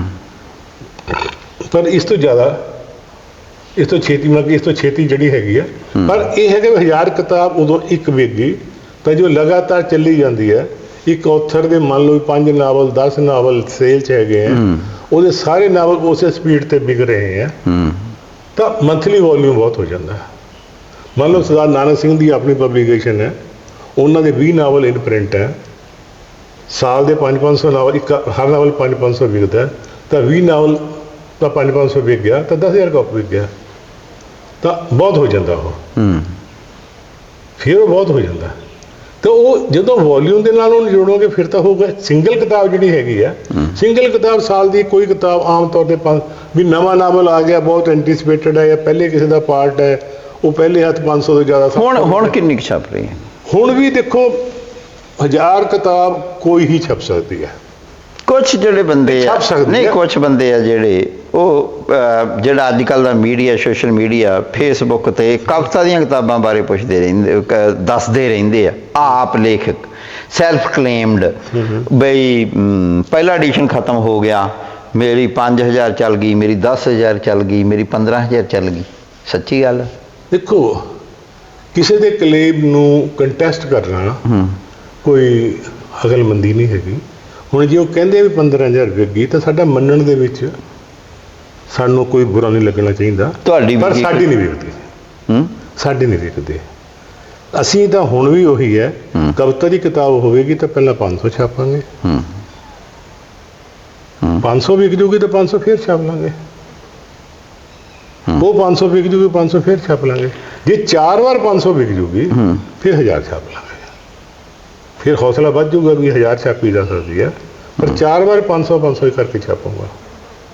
ਪਰ ਇਸ ਤੋਂ ਜ਼ਿਆਦਾ, ਇਸ ਤੋਂ ਛੇਤੀ ਮਤਲਬ ਕਿ ਇਸ ਤੋਂ ਛੇਤੀ ਜਿਹੜੀ ਹੈਗੀ ਹੈ। ਪਰ ਇਹ ਹੈਗਾ ਵੀ ਹਜ਼ਾਰ ਕਿਤਾਬ ਉਦੋਂ ਇੱਕ ਵਿਕ ਗਈ ਤਾਂ ਜੋ ਲਗਾਤਾਰ ਚੱਲੀ ਜਾਂਦੀ ਹੈ। ਇੱਕ ਔਥਰ ਦੇ ਮੰਨ ਲਓ ਪੰਜ ਨਾਵਲ, ਦਸ ਨਾਵਲ ਸੇਲ 'ਚ ਹੈਗੇ ਆ, ਉਹਦੇ ਸਾਰੇ ਨਾਵਲ ਉਸੇ ਸਪੀਡ 'ਤੇ ਵਿਕ ਰਹੇ ਆ, ਤਾਂ ਮੰਥਲੀ ਵੋਲਿਊਮ ਬਹੁਤ ਹੋ ਜਾਂਦਾ। ਮੰਨ ਲਓ ਸਰਦਾਰ ਨਾਨਕ ਸਿੰਘ ਦੀ ਆਪਣੀ ਪਬਲੀਕੇਸ਼ਨ ਹੈ, ਉਹਨਾਂ ਦੇ ਵੀਹ ਨਾਵਲ ਇਨ ਪ੍ਰਿੰਟ ਹੈ, ਸਾਲ ਦੇ ਪੰਜ ਪੰਜ ਸੌ ਨਾਵਲ, ਇੱਕ ਹਰ ਨਾਵਲ ਪੰਜ ਪੰਜ ਸੌ ਵਿਕਦਾ, ਤਾਂ ਵੀਹ ਨਾਵਲ ਤਾਂ ਪੰਜ ਪੰਜ ਸੌ ਵਿਕ ਗਿਆ, ਤਾਂ ਦਸ ਹਜ਼ਾਰ ਕਾਪੀ ਵਿਕ ਗਿਆ, ਤਾਂ ਬਹੁਤ ਹੋ ਜਾਂਦਾ ਉਹ। ਫਿਰ ਉਹ ਬਹੁਤ ਹੋ ਜਾਂਦਾ। ਤਾਂ ਉਹ ਜਦੋਂ ਵੋਲਿਊਮ ਦੇ ਨਾਲ ਉਹਨੂੰ ਜੋੜੋਗੇ ਫਿਰ ਤਾਂ ਹੋਊਗਾ। ਸਿੰਗਲ ਕਿਤਾਬ ਜਿਹੜੀ ਹੈਗੀ ਆ, ਸਿੰਗਲ ਕਿਤਾਬ ਸਾਲ ਦੀ ਕੋਈ ਕਿਤਾਬ ਆਮ ਤੌਰ 'ਤੇ ਪੰਜ ਵੀ ਨਵਾਂ ਨਾਵਲ ਆ ਗਿਆ, ਬਹੁਤ ਐਂਟੀਸਪੇਟਡ ਹੈ, ਜਾਂ ਪਹਿਲੇ ਕਿਸੇ ਦਾ ਪਾਰਟ ਹੈ, ਉਹ ਪਹਿਲੇ ਹੱਥ ਪੰਜ ਸੌ ਤੋਂ ਜ਼ਿਆਦਾ।
ਹੁਣ ਹੁਣ ਕਿੰਨੀ ਕੁ ਛਪ ਰਹੀ ਹੈ?
ਹੁਣ ਵੀ ਦੇਖੋ, ਹਜ਼ਾਰ ਕਿਤਾਬ ਕੋਈ ਹੀ ਛਪ ਸਕਦੀ ਹੈ।
ਕੁਛ ਜਿਹੜੇ ਬੰਦੇ ਆ, ਨਹੀਂ ਕੁਛ ਬੰਦੇ ਆ ਜਿਹੜੇ ਉਹ ਜਿਹੜਾ ਅੱਜ ਕੱਲ੍ਹ ਦਾ ਮੀਡੀਆ, ਸੋਸ਼ਲ ਮੀਡੀਆ, ਫੇਸਬੁੱਕ 'ਤੇ ਕਵਿਤਾ ਦੀਆਂ ਕਿਤਾਬਾਂ ਬਾਰੇ ਪੁੱਛਦੇ ਰਹਿੰਦੇ, ਦੱਸਦੇ ਰਹਿੰਦੇ ਆ। ਆਪ ਲੇਖਕ ਸੈਲਫ ਕਲੇਮਡ ਬਈ ਪਹਿਲਾ ਐਡੀਸ਼ਨ ਖਤਮ ਹੋ ਗਿਆ, ਮੇਰੀ ਪੰਜ ਹਜ਼ਾਰ ਚੱਲ ਗਈ, ਮੇਰੀ ਦਸ ਹਜ਼ਾਰ ਚੱਲ ਗਈ, ਮੇਰੀ ਪੰਦਰਾਂ ਹਜ਼ਾਰ ਚੱਲ ਗਈ। ਸੱਚੀ ਗੱਲ
ਦੇਖੋ, ਕਿਸੇ ਦੇ ਕਲੇਮ ਨੂੰ ਕੰਟੈਸਟ ਕਰਨਾ ਕੋਈ ਅਕਲਮੰਦੀ ਨਹੀਂ ਹੈਗੀ। ਹੁਣ ਜੇ ਉਹ ਕਹਿੰਦੇ ਵੀ ਪੰਦਰਾਂ ਹਜ਼ਾਰ ਵਿਕ ਗਈ, ਤਾਂ ਸਾਡਾ ਮੰਨਣ ਦੇ ਵਿੱਚ ਸਾਨੂੰ ਕੋਈ ਬੁਰਾ ਨਹੀਂ ਲੱਗਣਾ ਚਾਹੀਦਾ। ਤੁਹਾਡੀ ਪਰ ਸਾਡੀ ਨਹੀਂ ਵਿਕਦੀ, ਸਾਡੀ ਨਹੀਂ ਵਿਕਦੀ। ਅਸੀਂ ਤਾਂ ਹੁਣ ਵੀ ਉਹੀ ਹੈ, ਕਵਿਤਾ ਦੀ ਕਿਤਾਬ ਹੋਵੇਗੀ ਤਾਂ ਪਹਿਲਾਂ ਪੰਜ ਸੌ ਛਾਪਾਂਗੇ, ਪੰਜ ਸੌ ਵਿਕ ਜੂਗੀ ਤਾਂ ਪੰਜ ਸੌ ਫਿਰ ਛਾਪ ਲਾਂਗੇ, ਉਹ ਪੰਜ ਸੌ ਵਿਕ ਜੂਗੀ, ਪੰਜ ਸੌ ਫਿਰ ਛਾਪ ਲਾਂਗੇ। ਜੇ ਚਾਰ ਵਾਰ ਪੰਜ ਸੌ ਵਿਕ ਜੂਗੀ ਫਿਰ ਹਜ਼ਾਰ ਛਾਪ ਲਾਂਗੇ। ਫਿਰ ਹੌਸਲਾ ਵੱਧ ਜੂਗਾ ਵੀ ਹਜ਼ਾਰ ਛਾਪੀ ਜਾ ਸਕਦੀ ਹੈ, ਪਰ ਚਾਰ ਵਾਰ ਪੰਜ ਸੌ ਪੰਜ ਸੌ ਕਰਕੇ ਛਾਪੂੰਗਾ।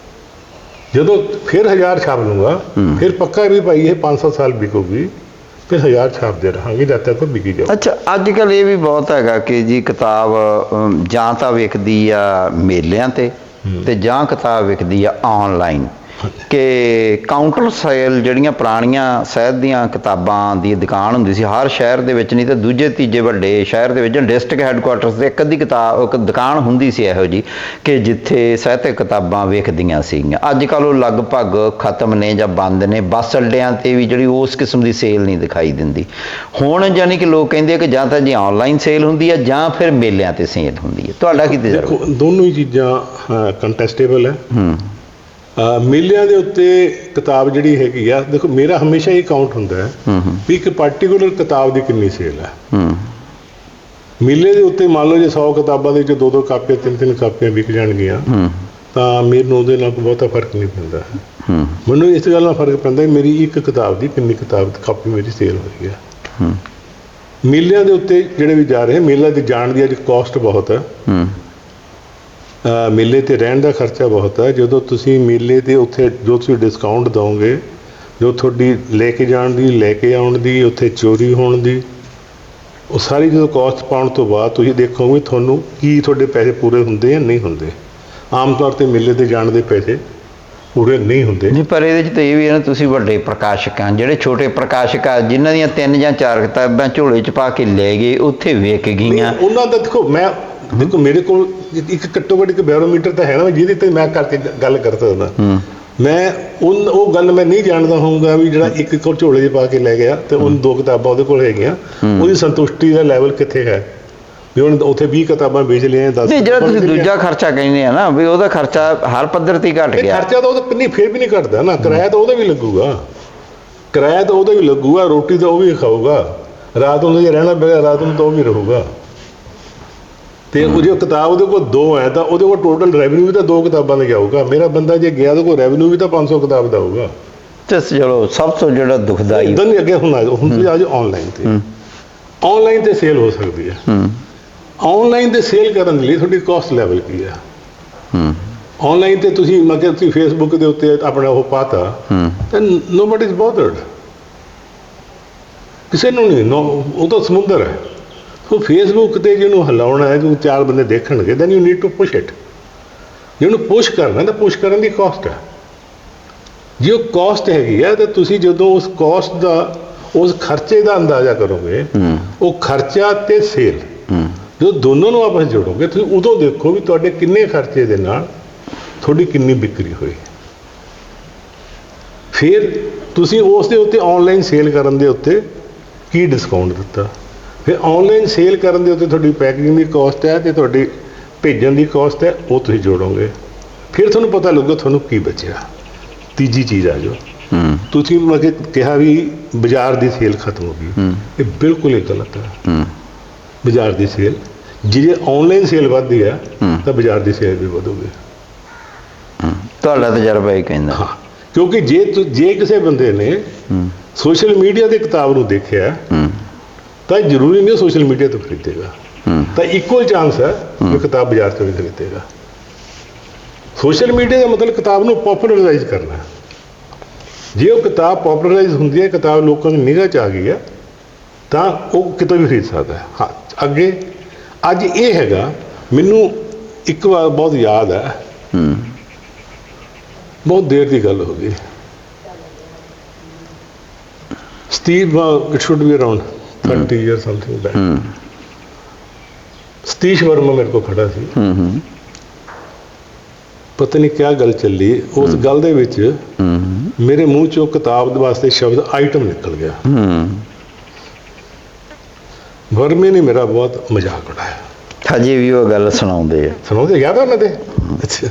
ਜਦੋਂ ਫਿਰ ਹਜ਼ਾਰ ਛਾਪ ਲੂੰਗਾ, ਫਿਰ ਪੱਕਾ ਵੀ ਭਾਈ ਇਹ ਪੰਜ ਸੌ ਸਾਲ ਵਿਕੂਗੀ, ਫਿਰ ਹਜ਼ਾਰ ਛਾਪਦੇ ਰਹਾਂਗੇ ਜਦ ਤੱਕ ਉਹ ਵਿਕੀ ਜਾਊ।
ਅੱਛਾ, ਅੱਜ ਕੱਲ੍ਹ ਇਹ ਵੀ ਬਹੁਤ ਹੈਗਾ ਕਿ ਜੀ ਕਿਤਾਬ ਅਮ, ਜਾਂ ਤਾਂ ਵਿਕਦੀ ਆ ਮੇਲਿਆਂ ਤੇ ਤੇ ਜਾਂ ਕਿਤਾਬ ਵਿਕਦੀ ਆ ਆਨਲਾਈਨ, ਕਿ ਕਾਊਂਟਰ ਸੇਲ ਜਿਹੜੀਆਂ ਪੁਰਾਣੀਆਂ ਸਾਹਿਤ ਦੀਆਂ ਕਿਤਾਬਾਂ ਦੀ ਦੁਕਾਨ ਹੁੰਦੀ ਸੀ ਹਰ ਸ਼ਹਿਰ ਦੇ ਵਿੱਚ, ਨਹੀਂ ਤਾਂ ਦੂਜੇ ਤੀਜੇ ਵੱਡੇ ਸ਼ਹਿਰ ਦੇ ਵਿੱਚ ਡਿਸਟ੍ਰਿਕਟ ਹੈੱਡਕੁਆਟਰਸ 'ਤੇ ਇੱਕ ਅੱਧੀ ਕਿਤਾਬ ਇੱਕ ਦੁਕਾਨ ਹੁੰਦੀ ਸੀ ਇਹੋ ਜਿਹੀ ਕਿ ਜਿੱਥੇ ਸਾਹਿਤਕ ਕਿਤਾਬਾਂ ਵਿਕਦੀਆਂ ਸੀਗੀਆਂ। ਅੱਜ ਕੱਲ੍ਹ ਉਹ ਲਗਭਗ ਖਤਮ ਨੇ ਜਾਂ ਬੰਦ ਨੇ। ਬੱਸ ਅੱਡਿਆਂ 'ਤੇ ਵੀ ਜਿਹੜੀ ਉਸ ਕਿਸਮ ਦੀ ਸੇਲ ਨਹੀਂ ਦਿਖਾਈ ਦਿੰਦੀ ਹੁਣ। ਯਾਨੀ ਕਿ ਲੋਕ ਕਹਿੰਦੇ ਆ ਕਿ ਜਾਂ ਤਾਂ ਜੀ ਆਨਲਾਈਨ ਸੇਲ ਹੁੰਦੀ ਹੈ ਜਾਂ ਫਿਰ ਮੇਲਿਆਂ 'ਤੇ ਸੇਲ ਹੁੰਦੀ ਹੈ। ਤੁਹਾਡਾ ਕੀ ਤਜਰਬਾ?
ਦੇਖੋ, ਦੋਨੋਂ ਹੀ ਚੀਜ਼ਾਂ ਕੰਟੈਸਟੇਬਲ ਹੈ।
ਹੂੰ
ਮੇਲਿਆਂ ਦੇ ਉੱਤੇ ਕਿਤਾਬ ਜਿਹੜੀ ਹੈਗੀ ਆ, ਦੇਖੋ ਮੇਰਾ ਹਮੇਸ਼ਾ ਇਹ ਕਾਊਂਟ ਹੁੰਦਾ ਹੈ ਵੀ ਇੱਕ ਪਾਰਟੀਕੂਲਰ ਕਿਤਾਬ ਦੀ ਕਿੰਨੀ ਸੇਲ ਹੈ।
ਹੂੰ
ਮੇਲੇ ਦੇ ਉੱਤੇ ਮੰਨ ਲਓ ਜੇ ਸੌ ਕਿਤਾਬਾਂ ਦੇ ਵਿੱਚ ਦੋ ਦੋ ਕਾਪੀਆਂ ਤਿੰਨ ਤਿੰਨ ਕਾਪੀਆਂ ਵਿਕ ਜਾਣਗੀਆਂ ਤਾਂ ਮੈਨੂੰ ਉਹਦੇ ਨਾਲ ਕੋਈ ਬਹੁਤਾ ਫਰਕ ਨਹੀਂ ਪੈਂਦਾ।
ਹੂੰ
ਮੈਨੂੰ ਇਸ ਗੱਲ ਨਾਲ ਫਰਕ ਪੈਂਦਾ ਮੇਰੀ ਇੱਕ ਕਿਤਾਬ ਦੀ ਕਿੰਨੀ ਕਿਤਾਬ ਕਾਪੀ ਮੇਰੀ ਸੇਲ ਹੋ ਰਹੀ ਹੈ।
ਹੂੰ
ਮੇਲਿਆਂ ਦੇ ਉੱਤੇ ਜਿਹੜੇ ਵੀ ਜਾ ਰਹੇ ਮੇਲਾ ਦੀ ਜਾਣ ਦੀ ਅੱਜ ਕਾਸਟ ਬਹੁਤ ਹੈ।
ਹੂੰ
ਮੇਲੇ 'ਤੇ ਰਹਿਣ ਦਾ ਖਰਚਾ ਬਹੁਤ ਹੈ। ਜਦੋਂ ਤੁਸੀਂ ਮੇਲੇ 'ਤੇ ਉੱਥੇ ਜੋ ਤੁਸੀਂ ਡਿਸਕਾਊਂਟ ਦਿਓਗੇ, ਜੋ ਤੁਹਾਡੀ ਲੈ ਕੇ ਜਾਣ ਦੀ, ਲੈ ਕੇ ਆਉਣ ਦੀ, ਉੱਥੇ ਚੋਰੀ ਹੋਣ ਦੀ, ਉਹ ਸਾਰੀ ਜਦੋਂ ਕਾਸਟ ਪਾਉਣ ਤੋਂ ਬਾਅਦ ਤੁਸੀਂ ਦੇਖੋਗੇ ਤੁਹਾਨੂੰ ਕੀ ਤੁਹਾਡੇ ਪੈਸੇ ਪੂਰੇ ਹੁੰਦੇ ਜਾਂ ਨਹੀਂ ਹੁੰਦੇ। ਆਮ ਤੌਰ 'ਤੇ ਮੇਲੇ 'ਤੇ ਜਾਣ ਦੇ ਪੈਸੇ ਪੂਰੇ ਨਹੀਂ ਹੁੰਦੇ।
ਨਹੀਂ, ਪਰ ਇਹਦੇ 'ਚ ਤਾਂ ਇਹ ਵੀ ਹੈ ਨਾ, ਤੁਸੀਂ ਵੱਡੇ ਪ੍ਰਕਾਸ਼ਕ ਆ, ਜਿਹੜੇ ਛੋਟੇ ਪ੍ਰਕਾਸ਼ਕ ਆ ਜਿਨ੍ਹਾਂ ਦੀਆਂ ਤਿੰਨ ਜਾਂ ਚਾਰ ਕਿਤਾਬਾਂ ਝੋਲੇ 'ਚ ਪਾ ਕੇ ਲੈ ਗਏ ਉੱਥੇ ਵਿਕ ਗਈਆਂ।
ਉਹਨਾਂ ਦਾ ਦੇਖੋ, ਮੈਂ ਦੇਖੋ ਮੇਰੇ ਕੋਲ ਇੱਕ ਘੱਟੋ ਘੱਟ ਇੱਕ ਬੈਰੋਮੀਟਰ ਤਾਂ ਹੈ ਨਾ ਜਿਹਦੇ 'ਤੇ ਮੈਂ ਕਰਕੇ ਗੱਲ ਕਰ ਸਕਦਾ। ਮੈਂ ਉਹ ਉਹ ਗੱਲ ਮੈਂ ਨਹੀਂ ਜਾਣਦਾ ਹੋਊਗਾ ਵੀ ਜਿਹੜਾ ਇੱਕ ਕੋਲ ਝੋਲੇ 'ਚ ਪਾ ਕੇ ਲੈ ਗਿਆ ਤੇ ਉਹਨੂੰ ਦੋ ਕਿਤਾਬਾਂ ਉਹਦੇ ਕੋਲ ਹੈਗੀਆਂ, ਉਹਦੀ ਸੰਤੁਸ਼ਟੀ ਦਾ ਲੈਵਲ ਕਿੱਥੇ ਹੈ ਵੀ ਉਹਨੇ ਉੱਥੇ ਵੀਹ ਕਿਤਾਬਾਂ ਵੇਚ ਲਈਆਂ, ਦਸ।
ਨਹੀਂ, ਜਿਹੜਾ ਤੁਸੀਂ ਦੂਜਾ ਖਰਚਾ ਕਹਿੰਦੇ ਆ ਨਾ ਵੀ ਉਹਦਾ ਖਰਚਾ ਹਰ ਪੱਧਰ 'ਤੇ ਘਟ ਗਿਆ।
ਖਰਚਾ ਤਾਂ ਉਹਦਾ ਕਿੰਨੀ ਫੇਰ ਵੀ ਨਹੀਂ ਘਟਦਾ ਨਾ। ਕਿਰਾਇਆ ਤਾਂ ਉਹਦਾ ਵੀ ਲੱਗੂਗਾ, ਕਿਰਾਇਆ ਤਾਂ ਉਹਦਾ ਵੀ ਲੱਗੂਗਾ, ਰੋਟੀ ਤਾਂ ਉਹ ਵੀ ਖਾਊਗਾ, ਰਾਤ ਨੂੰ ਜੇ ਰਹਿਣਾ ਪਏਗਾ ਰਾਤ ਨੂੰ ਤਾਂ ਉਹ ਵੀ ਰਹੂਗਾ। ਤੇ ਉਹ ਜੇ ਕਿਤਾਬ ਉਹਦੇ ਕੋਲ ਦੋ ਹੈ ਤਾਂ ਉਹਦੇ ਕੋਲ ਟੋਟਲ ਰੈਵਨਿਊ ਵੀ ਤਾਂ ਦੋ ਕਿਤਾਬਾਂ ਦਾ ਜਾਊਗਾ। ਮੇਰਾ ਬੰਦਾ ਜੇ ਗਿਆ ਉਹਦੇ ਕੋਲ ਰੈਵਨਿਊ ਵੀ ਤਾਂ ਪੰਜ ਸੌ ਕਿਤਾਬ ਦਾ ਹੋਊਗਾ।
ਤੇ ਚਲੋ ਸਭ ਤੋਂ ਜਿਹੜਾ ਦੁਖਦਾਈ
ਇਦਾਂ ਨਹੀਂ ਅੱਗੇ ਹੁਣ ਆ ਹੁਣ ਤੁਸੀਂ ਆ ਜਾਓ ਆਨਲਾਈਨ ਤੇ। ਆਨਲਾਈਨ ਤੇ ਸੇਲ ਹੋ ਸਕਦੀ ਹੈ। ਆਨਲਾਈਨ ਤੇ ਸੇਲ ਕਰਨ ਲਈ ਤੁਹਾਡੀ ਕਾਸਟ ਲੈਵਲ ਕੀ ਹੈ? ਆਨਲਾਈਨ ਤੇ ਤੁਸੀਂ ਮਤਲਬ ਤੁਸੀਂ ਫੇਸਬੁੱਕ ਦੇ ਉੱਤੇ ਆਪਣਾ ਉਹ ਪਾਤਾ ਤਾਂ ਨੋਬਡੀ ਇਜ਼ ਬੋਦਰਡ, ਕਿਸੇ ਨੂੰ ਨਹੀਂ। ਉਹ ਤਾਂ ਸਮੁੰਦਰ ਹੈ। ਸੋ ਫੇਸਬੁੱਕ 'ਤੇ ਜਿਹਨੂੰ ਹਿਲਾਉਣਾ ਹੈ, ਜਿਹਨੂੰ ਚਾਰ ਬੰਦੇ ਦੇਖਣਗੇ, then you need to push it. ਜਿਹਨੂੰ ਪੁਸ਼ ਕਰਨਾ ਤਾਂ ਪੁਸ਼ ਕਰਨ ਦੀ ਕਾਸਟ ਹੈ। ਜੇ ਉਹ ਕਾਸਟ ਹੈਗੀ ਹੈ ਤਾਂ ਤੁਸੀਂ ਜਦੋਂ ਉਸ ਕਾਸਟ ਦਾ ਉਸ ਖਰਚੇ ਦਾ ਅੰਦਾਜ਼ਾ ਕਰੋਗੇ, ਉਹ ਖਰਚਾ ਤੇ ਸੇਲ ਜਦੋਂ ਦੋਨੋਂ ਨੂੰ ਆਪਸ ਜੋੜੋਗੇ ਤੁਸੀਂ ਉਦੋਂ ਦੇਖੋ ਵੀ ਤੁਹਾਡੇ ਕਿੰਨੇ ਖਰਚੇ ਦੇ ਨਾਲ ਤੁਹਾਡੀ ਕਿੰਨੀ ਵਿਕਰੀ ਹੋਈ। ਫਿਰ ਤੁਸੀਂ ਉਸ ਦੇ ਉੱਤੇ ਆਨਲਾਈਨ ਸੇਲ ਕਰਨ ਦੇ ਉੱਤੇ ਕੀ ਡਿਸਕਾਊਂਟ ਦਿੱਤਾ। ਫਿਰ ਆਨਲਾਈਨ ਸੇਲ ਕਰਨ ਦੇ ਉੱਤੇ ਤੁਹਾਡੀ ਪੈਕਿੰਗ ਦੀ ਕਾਸਟ ਹੈ ਤੇ ਤੁਹਾਡੀ ਭੇਜਣ ਦੀ ਕਾਸਟ ਹੈ, ਉਹ ਤੁਸੀਂ ਜੋੜੋਗੇ। ਫਿਰ ਤੁਹਾਨੂੰ ਪਤਾ ਲੱਗੂਗਾ ਤੁਹਾਨੂੰ ਕੀ ਬਚਿਆ। ਤੀਜੀ ਚੀਜ਼ ਆ ਜੋ ਤੁਸੀਂ ਮਤਲਬ ਕਿਹਾ ਵੀ ਬਾਜ਼ਾਰ ਦੀ ਸੇਲ ਖਤਮ ਹੋ ਗਈ, ਇਹ ਬਿਲਕੁਲ ਹੀ ਗਲਤ ਹੈ। ਬਾਜ਼ਾਰ ਦੀ ਸੇਲ ਜੇ ਆਨਲਾਈਨ ਸੇਲ ਵੱਧਦੀ ਹੈ ਤਾਂ ਬਾਜ਼ਾਰ ਦੀ ਸੇਲ ਵੀ ਵਧੂਗੀ।
ਤੁਹਾਡਾ ਤਜਰਬਾ ਇਹ ਕਹਿੰਦਾ।
ਹਾਂ, ਕਿਉਂਕਿ ਜੇ ਜੇ ਕਿਸੇ ਬੰਦੇ ਨੇ ਸੋਸ਼ਲ ਮੀਡੀਆ ਤੇ ਕਿਤਾਬ ਨੂੰ ਦੇਖਿਆ ਤਾਂ ਜ਼ਰੂਰੀ ਨਹੀਂ ਸੋਸ਼ਲ ਮੀਡੀਆ ਤੋਂ ਖਰੀਦੇਗਾ, ਤਾਂ ਇਕੁਅਲ ਚਾਂਸ ਹੈ ਕਿ ਕਿਤਾਬ ਬਾਜ਼ਾਰ ਤੋਂ ਵੀ ਖਰੀਦੇਗਾ। ਸੋਸ਼ਲ ਮੀਡੀਆ ਦਾ ਮਤਲਬ ਕਿਤਾਬ ਨੂੰ ਪੋਪੂਲਰਾਈਜ਼ ਕਰਨਾ। ਜੇ ਉਹ ਕਿਤਾਬ ਪੋਪੂਲਰਾਈਜ਼ ਹੁੰਦੀ ਹੈ, ਕਿਤਾਬ ਲੋਕਾਂ ਦੀ ਨਿਗਾਹ 'ਚ ਆ ਗਈ ਹੈ, ਤਾਂ ਉਹ ਕਿਤੋਂ ਵੀ ਖਰੀਦ ਸਕਦਾ ਹੈ। ਹਾਂ, ਅੱਗੇ ਅੱਜ ਇਹ ਹੈਗਾ, ਮੈਨੂੰ ਇੱਕ ਵਾਰ ਬਹੁਤ ਯਾਦ ਹੈ, ਬਹੁਤ ਦੇਰ ਦੀ ਗੱਲ ਹੋ ਗਈ। Steve it should be around thirty year something back. Satish Verma ਮੇਰੇ ਕੋਲ ਖੜਾ ਸੀ। ਪਤਾ ਨਹੀਂ ਕਿਆ ਗੱਲ ਚੱਲੀ, ਉਸ ਗੱਲ ਦੇ ਵਿੱਚ ਮੇਰੇ ਮੂੰਹ ਚੋਂ ਕਿਤਾਬ ਦੇ ਵਾਸਤੇ ਸ਼ਬਦ ਆਈਟਮ ਨਿਕਲ ਗਿਆ। ਵਰਮੇ ਨੇ ਮੇਰਾ ਬਹੁਤ ਮਜ਼ਾਕ ਉਡਾਇਆ।
ਹਜੇ ਵੀ ਉਹ ਗੱਲ ਸੁਣਾਉਂਦੇ ਆ।
ਸੁਣਾਉਂਦੇ ਯਾਦ ਆ ਉਹਨਾਂ ਦੇ? ਅੱਛਾ,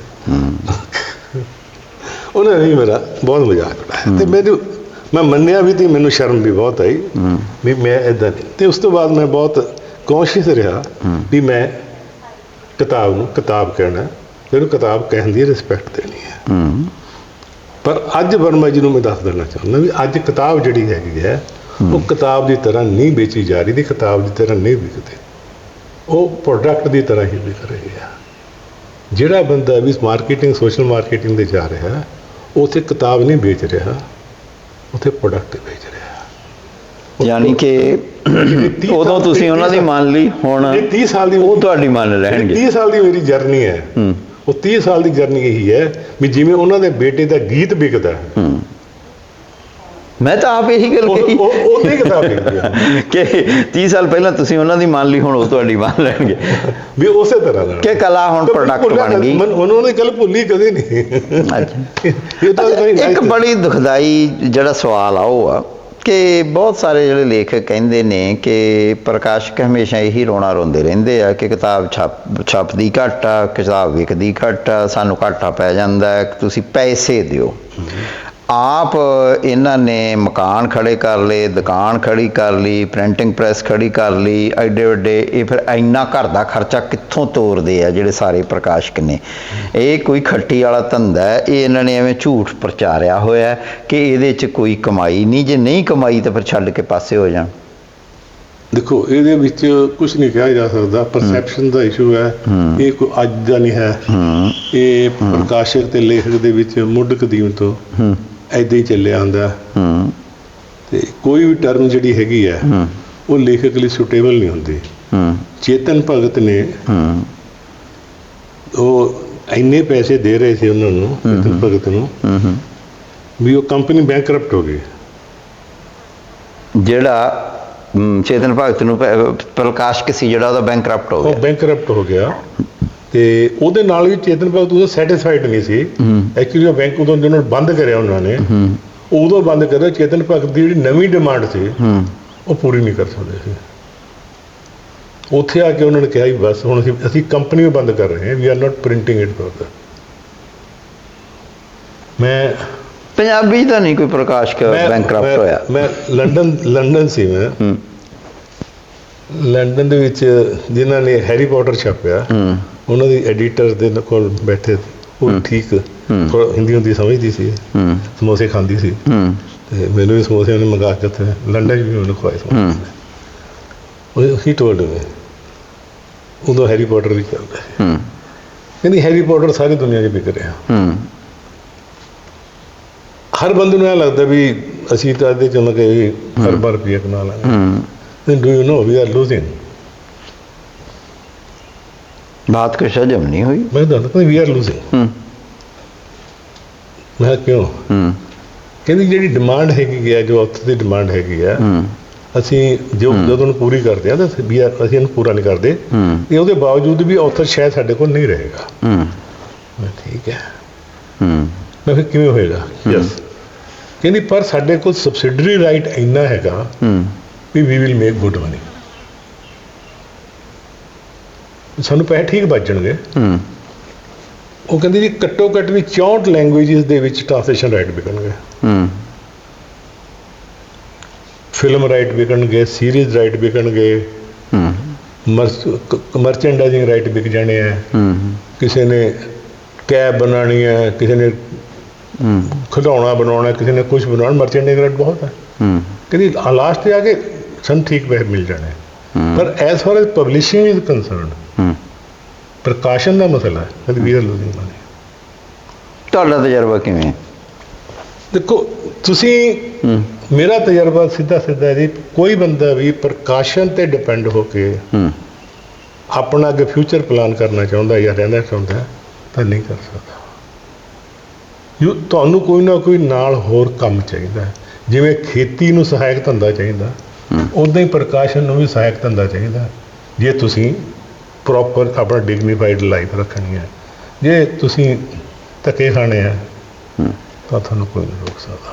ਉਹਨਾਂ ਨੇ ਮੇਰਾ ਬਹੁਤ ਮਜ਼ਾਕ ਉਡਾਇਆ ਤੇ ਮੈਨੂੰ ਮੈਂ ਮੰਨਿਆ ਵੀ ਤੇ ਮੈਨੂੰ ਸ਼ਰਮ ਵੀ ਬਹੁਤ ਆਈ ਵੀ ਮੈਂ ਇੱਦਾਂ ਨਹੀਂ। ਅਤੇ ਉਸ ਤੋਂ ਬਾਅਦ ਮੈਂ ਬਹੁਤ ਕੌਨਸ਼ੀਅਸ ਰਿਹਾ ਵੀ ਮੈਂ ਕਿਤਾਬ ਨੂੰ ਕਿਤਾਬ ਕਹਿਣਾ, ਮੈਨੂੰ ਕਿਤਾਬ ਕਹਿਣ ਦੀ ਰਿਸਪੈਕਟ ਦੇਣੀ ਹੈ। ਪਰ ਅੱਜ ਵਰਮਾ ਜੀ ਨੂੰ ਮੈਂ ਦੱਸ ਦੇਣਾ ਚਾਹੁੰਦਾ ਵੀ ਅੱਜ ਕਿਤਾਬ ਜਿਹੜੀ ਹੈਗੀ ਹੈ ਉਹ ਕਿਤਾਬ ਦੀ ਤਰ੍ਹਾਂ ਨਹੀਂ ਵੇਚੀ ਜਾ ਰਹੀ, ਦੀ ਕਿਤਾਬ ਦੀ ਤਰ੍ਹਾਂ ਨਹੀਂ ਵਿਕਦੀ, ਉਹ ਪ੍ਰੋਡਕਟ ਦੀ ਤਰ੍ਹਾਂ ਹੀ ਵਿਕ ਰਹੀ ਹੈ। ਜਿਹੜਾ ਬੰਦਾ ਵੀ ਮਾਰਕੀਟਿੰਗ ਸੋਸ਼ਲ ਮਾਰਕੀਟਿੰਗ ਦੇ ਜਾ ਰਿਹਾ, ਉੱਥੇ ਕਿਤਾਬ ਨਹੀਂ ਵੇਚ ਰਿਹਾ, ਉੱਥੇ ਪ੍ਰੋਡਕਟ ਵੇਚ ਰਿਹਾ।
ਯਾਨੀ ਕਿ
ਤੀਹ
ਉਦੋਂ
ਸਾਲ-
ਤੁਸੀਂ ਉਹਨਾਂ ਦੀ
ਤੀਹ
ਮੰਨ ਲਈ, ਹੁਣ
ਇਹ ਤੀਹ ਸਾਲ ਦੀ
ਉਹ ਤੁਹਾਡੀ ਮੰਨ ਲੈਣਗੇ।
ਤੀਹ ਸਾਲ ਦੀ ਮੇਰੀ ਜਰਨੀ ਹੈ,
ਹੂੰ
ਉਹ ਤੀਹ ਸਾਲ ਦੀ ਜਰਨੀ ਇਹੀ ਹੈ ਵੀ ਜਿਵੇਂ ਉਹਨਾਂ ਦੇ ਬੇਟੇ ਦਾ ਗੀਤ ਵਿਕਦਾ ਹੈ,
ਹੂੰ ਮੈਂ ਤਾਂ ਆਪ ਇਹੀ ਗੱਲ
ਉਹ
ਕਹੀ
ਉਹ ਉਹਦੀ ਕਿਤਾਬ ਵਿਕਦੀ ਹੈ
ਕਿ ਤੀਹ ਸਾਲ ਪਹਿਲਾਂ ਤੁਸੀਂ ਉਹਨਾਂ ਦੀ ਮੰਨ ਲਈ, ਹੁਣ ਉਹ ਤੁਹਾਡੀ ਮੰਨ ਲੈਣਗੇ
ਵੀ ਉਸੇ ਤਰ੍ਹਾਂ ਨਾਲ
ਕਿ ਕਲਾ ਹੁਣ ਪ੍ਰੋਡਕਟ ਬਣ ਗਈ।
ਮਨ- ਉਹਨਾਂ ਨੇ ਗੱਲ ਭੁੱਲੀ ਕਦੇ ਨਹੀਂ।
ਅੱਛਾ।
ਇਹ ਤਾਂ ਕਦੇ
ਇੱਕ ਬੜੀ ਦੁਖਦਾਈ ਜਿਹੜਾ ਸਵਾਲ ਆ ਉਹ ਆ ਕਿ ਬਹੁਤ ਸਾਰੇ ਜਿਹੜੇ ਲੇਖਕ ਕਹਿੰਦੇ ਨੇ ਕਿ ਪ੍ਰਕਾਸ਼ਕ ਹਮੇਸ਼ਾ ਇਹੀ ਰੋਣਾ ਰੋਂਦੇ ਰਹਿੰਦੇ ਆ ਕਿ ਕਿਤਾਬ ਛਪ ਛਪਦੀ ਘੱਟ ਆ, ਕਿਤਾਬ ਵਿਕਦੀ ਘੱਟ ਆ, ਸਾਨੂੰ ਘਾਟਾ ਪੈ ਜਾਂਦਾ ਹੈ, ਤੁਸੀਂ ਪੈਸੇ ਦਿਓ। ਆਪ ਇਹਨਾਂ ਨੇ ਮਕਾਨ ਖੜੇ ਕਰ ਲਏ, ਦੁਕਾਨ ਖੜੀ ਕਰ ਲਈ, ਪ੍ਰਿੰਟਿੰਗ ਪ੍ਰੈਸ ਖੜੀ ਕਰ ਲਈ, ਐਡੇ ਵੱਡੇ, ਇਹ ਫਿਰ ਇੰਨਾ ਘਰ ਦਾ ਖਰਚਾ ਕਿੱਥੋਂ ਤੋਰਦੇ ਆ ਜਿਹੜੇ ਸਾਰੇ ਪ੍ਰਕਾਸ਼ਕ ਨੇ? ਇਹ ਕੋਈ ਖੱਟੀ ਵਾਲਾ ਧੰਦਾ ਹੈ, ਇਹ ਇਹਨਾਂ ਨੇ ਐਵੇਂ ਝੂਠ ਪ੍ਰਚਾਰਿਆ ਹੋਇਆ ਕਿ ਇਹਦੇ 'ਚ ਕੋਈ ਕਮਾਈ ਨਹੀਂ, ਜੇ ਨਹੀਂ ਕਮਾਈ ਤਾਂ ਫਿਰ ਛੱਡ ਕੇ ਪਾਸੇ ਹੋ ਜਾਣ।
ਦੇਖੋ ਇਹਦੇ ਵਿੱਚ ਕੁਝ ਨਹੀਂ ਕਿਹਾ ਜਾ ਸਕਦਾ, ਪਰਸੈਪਸ਼ਨ ਦਾ ਇਸ਼ੂ ਹੈ, ਇਹ ਕੋਈ ਅੱਜ ਦਾ ਨਹੀਂ ਹੈ, ਇਹ ਪ੍ਰਕਾਸ਼ਕ ਤੇ ਲੇਖਕ ਦੇ ਵਿੱਚ ਮੁੱਢ ਕਦੀਮ ਤੋਂ ਐਦਾਂ ਹੀ ਚੱਲਿਆ ਆਉਂਦਾ। ਤੇ ਕੋਈ ਵੀ ਟਰਮ ਜਿਹੜੀ ਹੈਗੀ ਹੈ ਉਹ ਲੇਖਕ ਲਈ ਸੁਟੇਬਲ ਨਹੀਂ ਹੁੰਦੀ। ਚੇਤਨ ਭਗਤ ਨੇ ਉਹ ਇੰਨੇ ਪੈਸੇ ਦੇ ਰਹੇ ਸੀ ਉਹਨਾਂ ਨੂੰ, ਚੇਤਨ ਭਗਤ ਨੂੰ, ਵੀ ਉਹ ਕੰਪਨੀ ਬੈਂਕਰਪਟ ਹੋ ਗਈ।
ਜਿਹੜਾ ਹਮ, ਚੇਤਨ ਭਗਤ ਨੂੰ ਪ- ਪ੍ਰਕਾਸ਼ਕ ਸੀ ਜਿਹੜਾ, ਉਹਦਾ ਬੈਂਕਰਪਟ ਹੋ
ਉਹ
ਗਿਆ।
ਬੈਂਕਰਪਟ ਹੋ ਗਿਆ ਤੇ ਉਹਦੇ ਨਾਲ ਵੀ ਚੇਤਨ ਭਗਤ ਉਦੋਂ ਸੈਟੀਸਫਾਈਡ ਨਹੀਂ ਸੀ। ਐਕਚੁਅਲੀ ਉਹ ਬੈਂਕ ਉਦੋਂ ਜਿਹਨਾਂ ਬੰਦ ਕਰਿਆ ਉਹਨਾਂ ਨੇ, ਉਦੋਂ ਬੰਦ ਕਰਿਆ। ਚੇਤਨ ਭਗਤ ਦੀ ਜਿਹੜੀ ਨਵੀਂ ਡਿਮਾਂਡ ਸੀ ਉਹ ਪੂਰੀ ਨਹੀਂ ਕਰ ਸਕਦੇ ਸੀ। ਉੱਥੇ ਆ ਕੇ ਉਹਨਾਂ ਨੇ ਕਿਹਾ ਵੀ ਬਸ ਹੁਣ ਅਸੀਂ ਅਸੀਂ ਕੰਪਨੀ ਵੀ ਬੰਦ ਕਰ ਰਹੇ ਹਾਂ, we are not printing it further. ਮੈਂ
ਪੰਜਾਬੀ ਤਾਂ ਨਹੀਂ ਕੋਈ ਪ੍ਰਕਾਸ਼ਕ
ਮੈਂ-
ਬੈਂਕਰਪਟ
ਮੈਂ-
ਹੋਇਆ।
ਮੈਂ ਲੰਡਨ ਲੰਡਨ ਸੀ ਮੈਂ
ਹੂੰ
ਲੰਡਨ ਦੇ ਵਿੱਚ ਜਿਨ੍ਹਾਂ ਨੇ ਹੈਰੀ ਪੋਟਰ ਛਾਪਿਆ,
ਹੂੰ
ਉਹਨਾਂ ਦੀ ਐਡੀਟਰ ਦੇ ਕੋਲ ਬੈਠੇ, ਉਹ ਠੀਕ ਥੋੜ੍ਹਾ ਹਿੰਦੀ ਹੁੰਦੀ ਸਮਝਦੀ ਸੀ,
ਹੂੰ
ਸਮੋਸੇ ਖਾਂਦੀ ਸੀ,
ਹੂੰ
ਤੇ ਮੈਨੂੰ ਵੀ ਸਮੋਸੇ ਉਹਨੇ ਮੰਗਾ ਕੇ ਉੱਥੇ ਲੰਡਨ 'ਚ ਵੀ ਉਹਨੂੰ ਖਵਾਏ ਸਮੋਸੇ। ਉਹ ਹੀ ਟੋਲਡ ਮੀ, ਉਦੋਂ ਹੈਰੀ ਪੋਟਰ ਵੀ ਚੱਲਦਾ ਸੀ,
ਹੂੰ
ਕਹਿੰਦੀ ਹੈਰੀ ਪੋਟਰ ਸਾਰੀ ਦੁਨੀਆ 'ਚ ਵਿਕ ਰਿਹਾ।
ਹੂੰ
ਹਰ ਬੰਦੇ ਨੂੰ ਇਹ ਲੱਗਦਾ ਵੀ ਅਸੀਂ ਤਾਂ ਇਹਦੇ 'ਚ ਉਹਨਾਂ ਕੇ ਅਰਬਾਂ ਰੁਪਈਆ ਕਮਾ ਲਾਂਗੇ।
ਹੂੰ
Then do you know we are losing?
बात कुछ हजम नहीं हुई।
मैं ਦੱਸਦਾ ਵੀ ਆਰ ਲੂਜ਼ਿੰਗ।
हम्म
ਮੈਂ ਕਿਉਂ?
हम्म
ਕਹਿੰਦੀ ਜਿਹੜੀ ਡਿਮਾਂਡ ਹੈਗੀ ਹੈ, ਜੋ ਔਥਰ ਦੀ ਡਿਮਾਂਡ ਹੈਗੀ ਆ,
हम्म
ਅਸੀਂ ਜੋ ਜਦੋਂ ਨੂੰ ਪੂਰੀ ਕਰਦੇ ਆ ਤਾਂ ਵੀ ਆ- ਅਸੀਂ ਇਹਨੂੰ ਪੂਰਾ ਨਹੀਂ ਕਰਦੇ,
हम्म
ਤੇ ਉਹਦੇ ਬਾਵਜੂਦ ਵੀ ਔਥਰ ਸ਼ਾਇਦ ਸਾਡੇ ਕੋਲ ਨਹੀਂ ਰਹੇਗਾ।
हम्म
ਮੈਂ ਠੀਕ ਹੈ।
हम्म
ਮੈਂ ਫਿਰ ਕਿਵੇਂ ਹੋਏਗਾ? ਯੈਸ। ਕਹਿੰਦੀ ਪਰ ਸਾਡੇ ਕੋਲ ਸਬਸਿਡਰੀ ਰਾਈਟ ਇੰਨਾ ਹੈਗਾ
hmm
we we will make good money, ਸਾਨੂੰ ਪੈਸੇ ਠੀਕ ਬਚਣਗੇ।
हम्म
ਉਹ ਕਹਿੰਦੀ ਜੀ ਘੱਟੋ ਘੱਟ ਵੀ ਚੌਂਹਠ ਲੈਂਗੁਏਜਸ ਦੇ ਵਿੱਚ ਟ੍ਰਾਂਸਲੇਸ਼ਨ ਰਾਈਟ ਵਿਕਣਗੇ,
हम्म
ਫਿਲਮ ਰਾਈਟ ਵਿਕਣਗੇ, ਸੀਰੀਜ਼ ਰਾਈਟ ਵਿਕਣਗੇ,
हम्म
ਮਰਚੈਂਡਾਈਜ਼ਿੰਗ ਰਾਈਟ ਵਿਕ ਜਾਣੇ ਆ।
हम्म
ਕਿਸੇ ਨੇ ਕੈਬ ਬਣਾਉਣੀ ਹੈ, ਕਿਸੇ ਨੇ
हम्म
ਖਿਡੌਣਾ ਬਣਾਉਣਾ, ਕਿਸੇ ਨੇ ਕੁਝ ਬਣਾਉਣਾ, ਮਰਚੈਂਡਾਈਜ਼ਿੰਗ ਰਾਈਟ ਬਹੁਤ ਹੈ।
हम्म
ਕਹਿੰਦੀ ਲਾਸਟ ਤੇ ਆ ਕੇ ਸਾਨੂੰ ਠੀਕ ਪੈਸੇ ਮਿਲ ਜਾਣੇ। ਪਰ as far as publishing is concerned,
hmm
ਪ੍ਰਕਾਸ਼ਨ ਦਾ ਮਸਲਾ ਹੈ, ਕਹਿੰਦੀ ਵੀ ਆਰ ਲੂਜ਼ਿੰਗ ਮਨੀ।
ਤੁਹਾਡਾ ਤਜਰਬਾ ਕਿਵੇਂ ਹੈ?
ਦੇਖੋ ਤੁਸੀਂ,
ਹੂੰ
ਮੇਰਾ ਤਜਰਬਾ ਸਿੱਧਾ ਸਿੱਧਾ ਜੀ, ਕੋਈ ਬੰਦਾ ਵੀ ਪ੍ਰਕਾਸ਼ਨ ਤੇ ਡਿਪੈਂਡ ਹੋ ਕੇ
ਹੂੰ
ਆਪਣਾ ਅੱਗੇ ਫਿਊਚਰ ਪਲਾਨ ਕਰਨਾ ਚਾਹੁੰਦਾ ਜਾਂ ਰਹਿਣਾ ਚਾਹੁੰਦਾ ਤਾਂ ਨਹੀਂ ਕਰ ਸਕਦਾ। ਯੂ ਤੁਹਾਨੂੰ ਕੋਈ ਨਾ ਕੋਈ ਨਾਲ ਹੋਰ ਕੰਮ ਚਾਹੀਦਾ ਹੈ। ਜਿਵੇਂ ਖੇਤੀ ਨੂੰ ਸਹਾਇਕ ਧੰਦਾ ਚਾਹੀਦਾ, ਉੱਦਾਂ ਹੀ ਪ੍ਰਕਾਸ਼ਨ ਨੂੰ ਵੀ ਸਹਾਇਕ ਧੰਦਾ ਚਾਹੀਦਾ, ਜੇ ਤੁਸੀਂ ਪ੍ਰੋਪਰ ਆਪਣਾ ਡਿਗਨੀਫਾਈਡ ਲਾਈਫ ਰੱਖਣੀ ਹੈ। ਜੇ ਤੁਸੀਂ ਧੱਕੇ ਖਾਣੇ ਆ ਤਾਂ ਤੁਹਾਨੂੰ ਕੋਈ ਨਹੀਂ ਰੋਕ ਸਕਦਾ।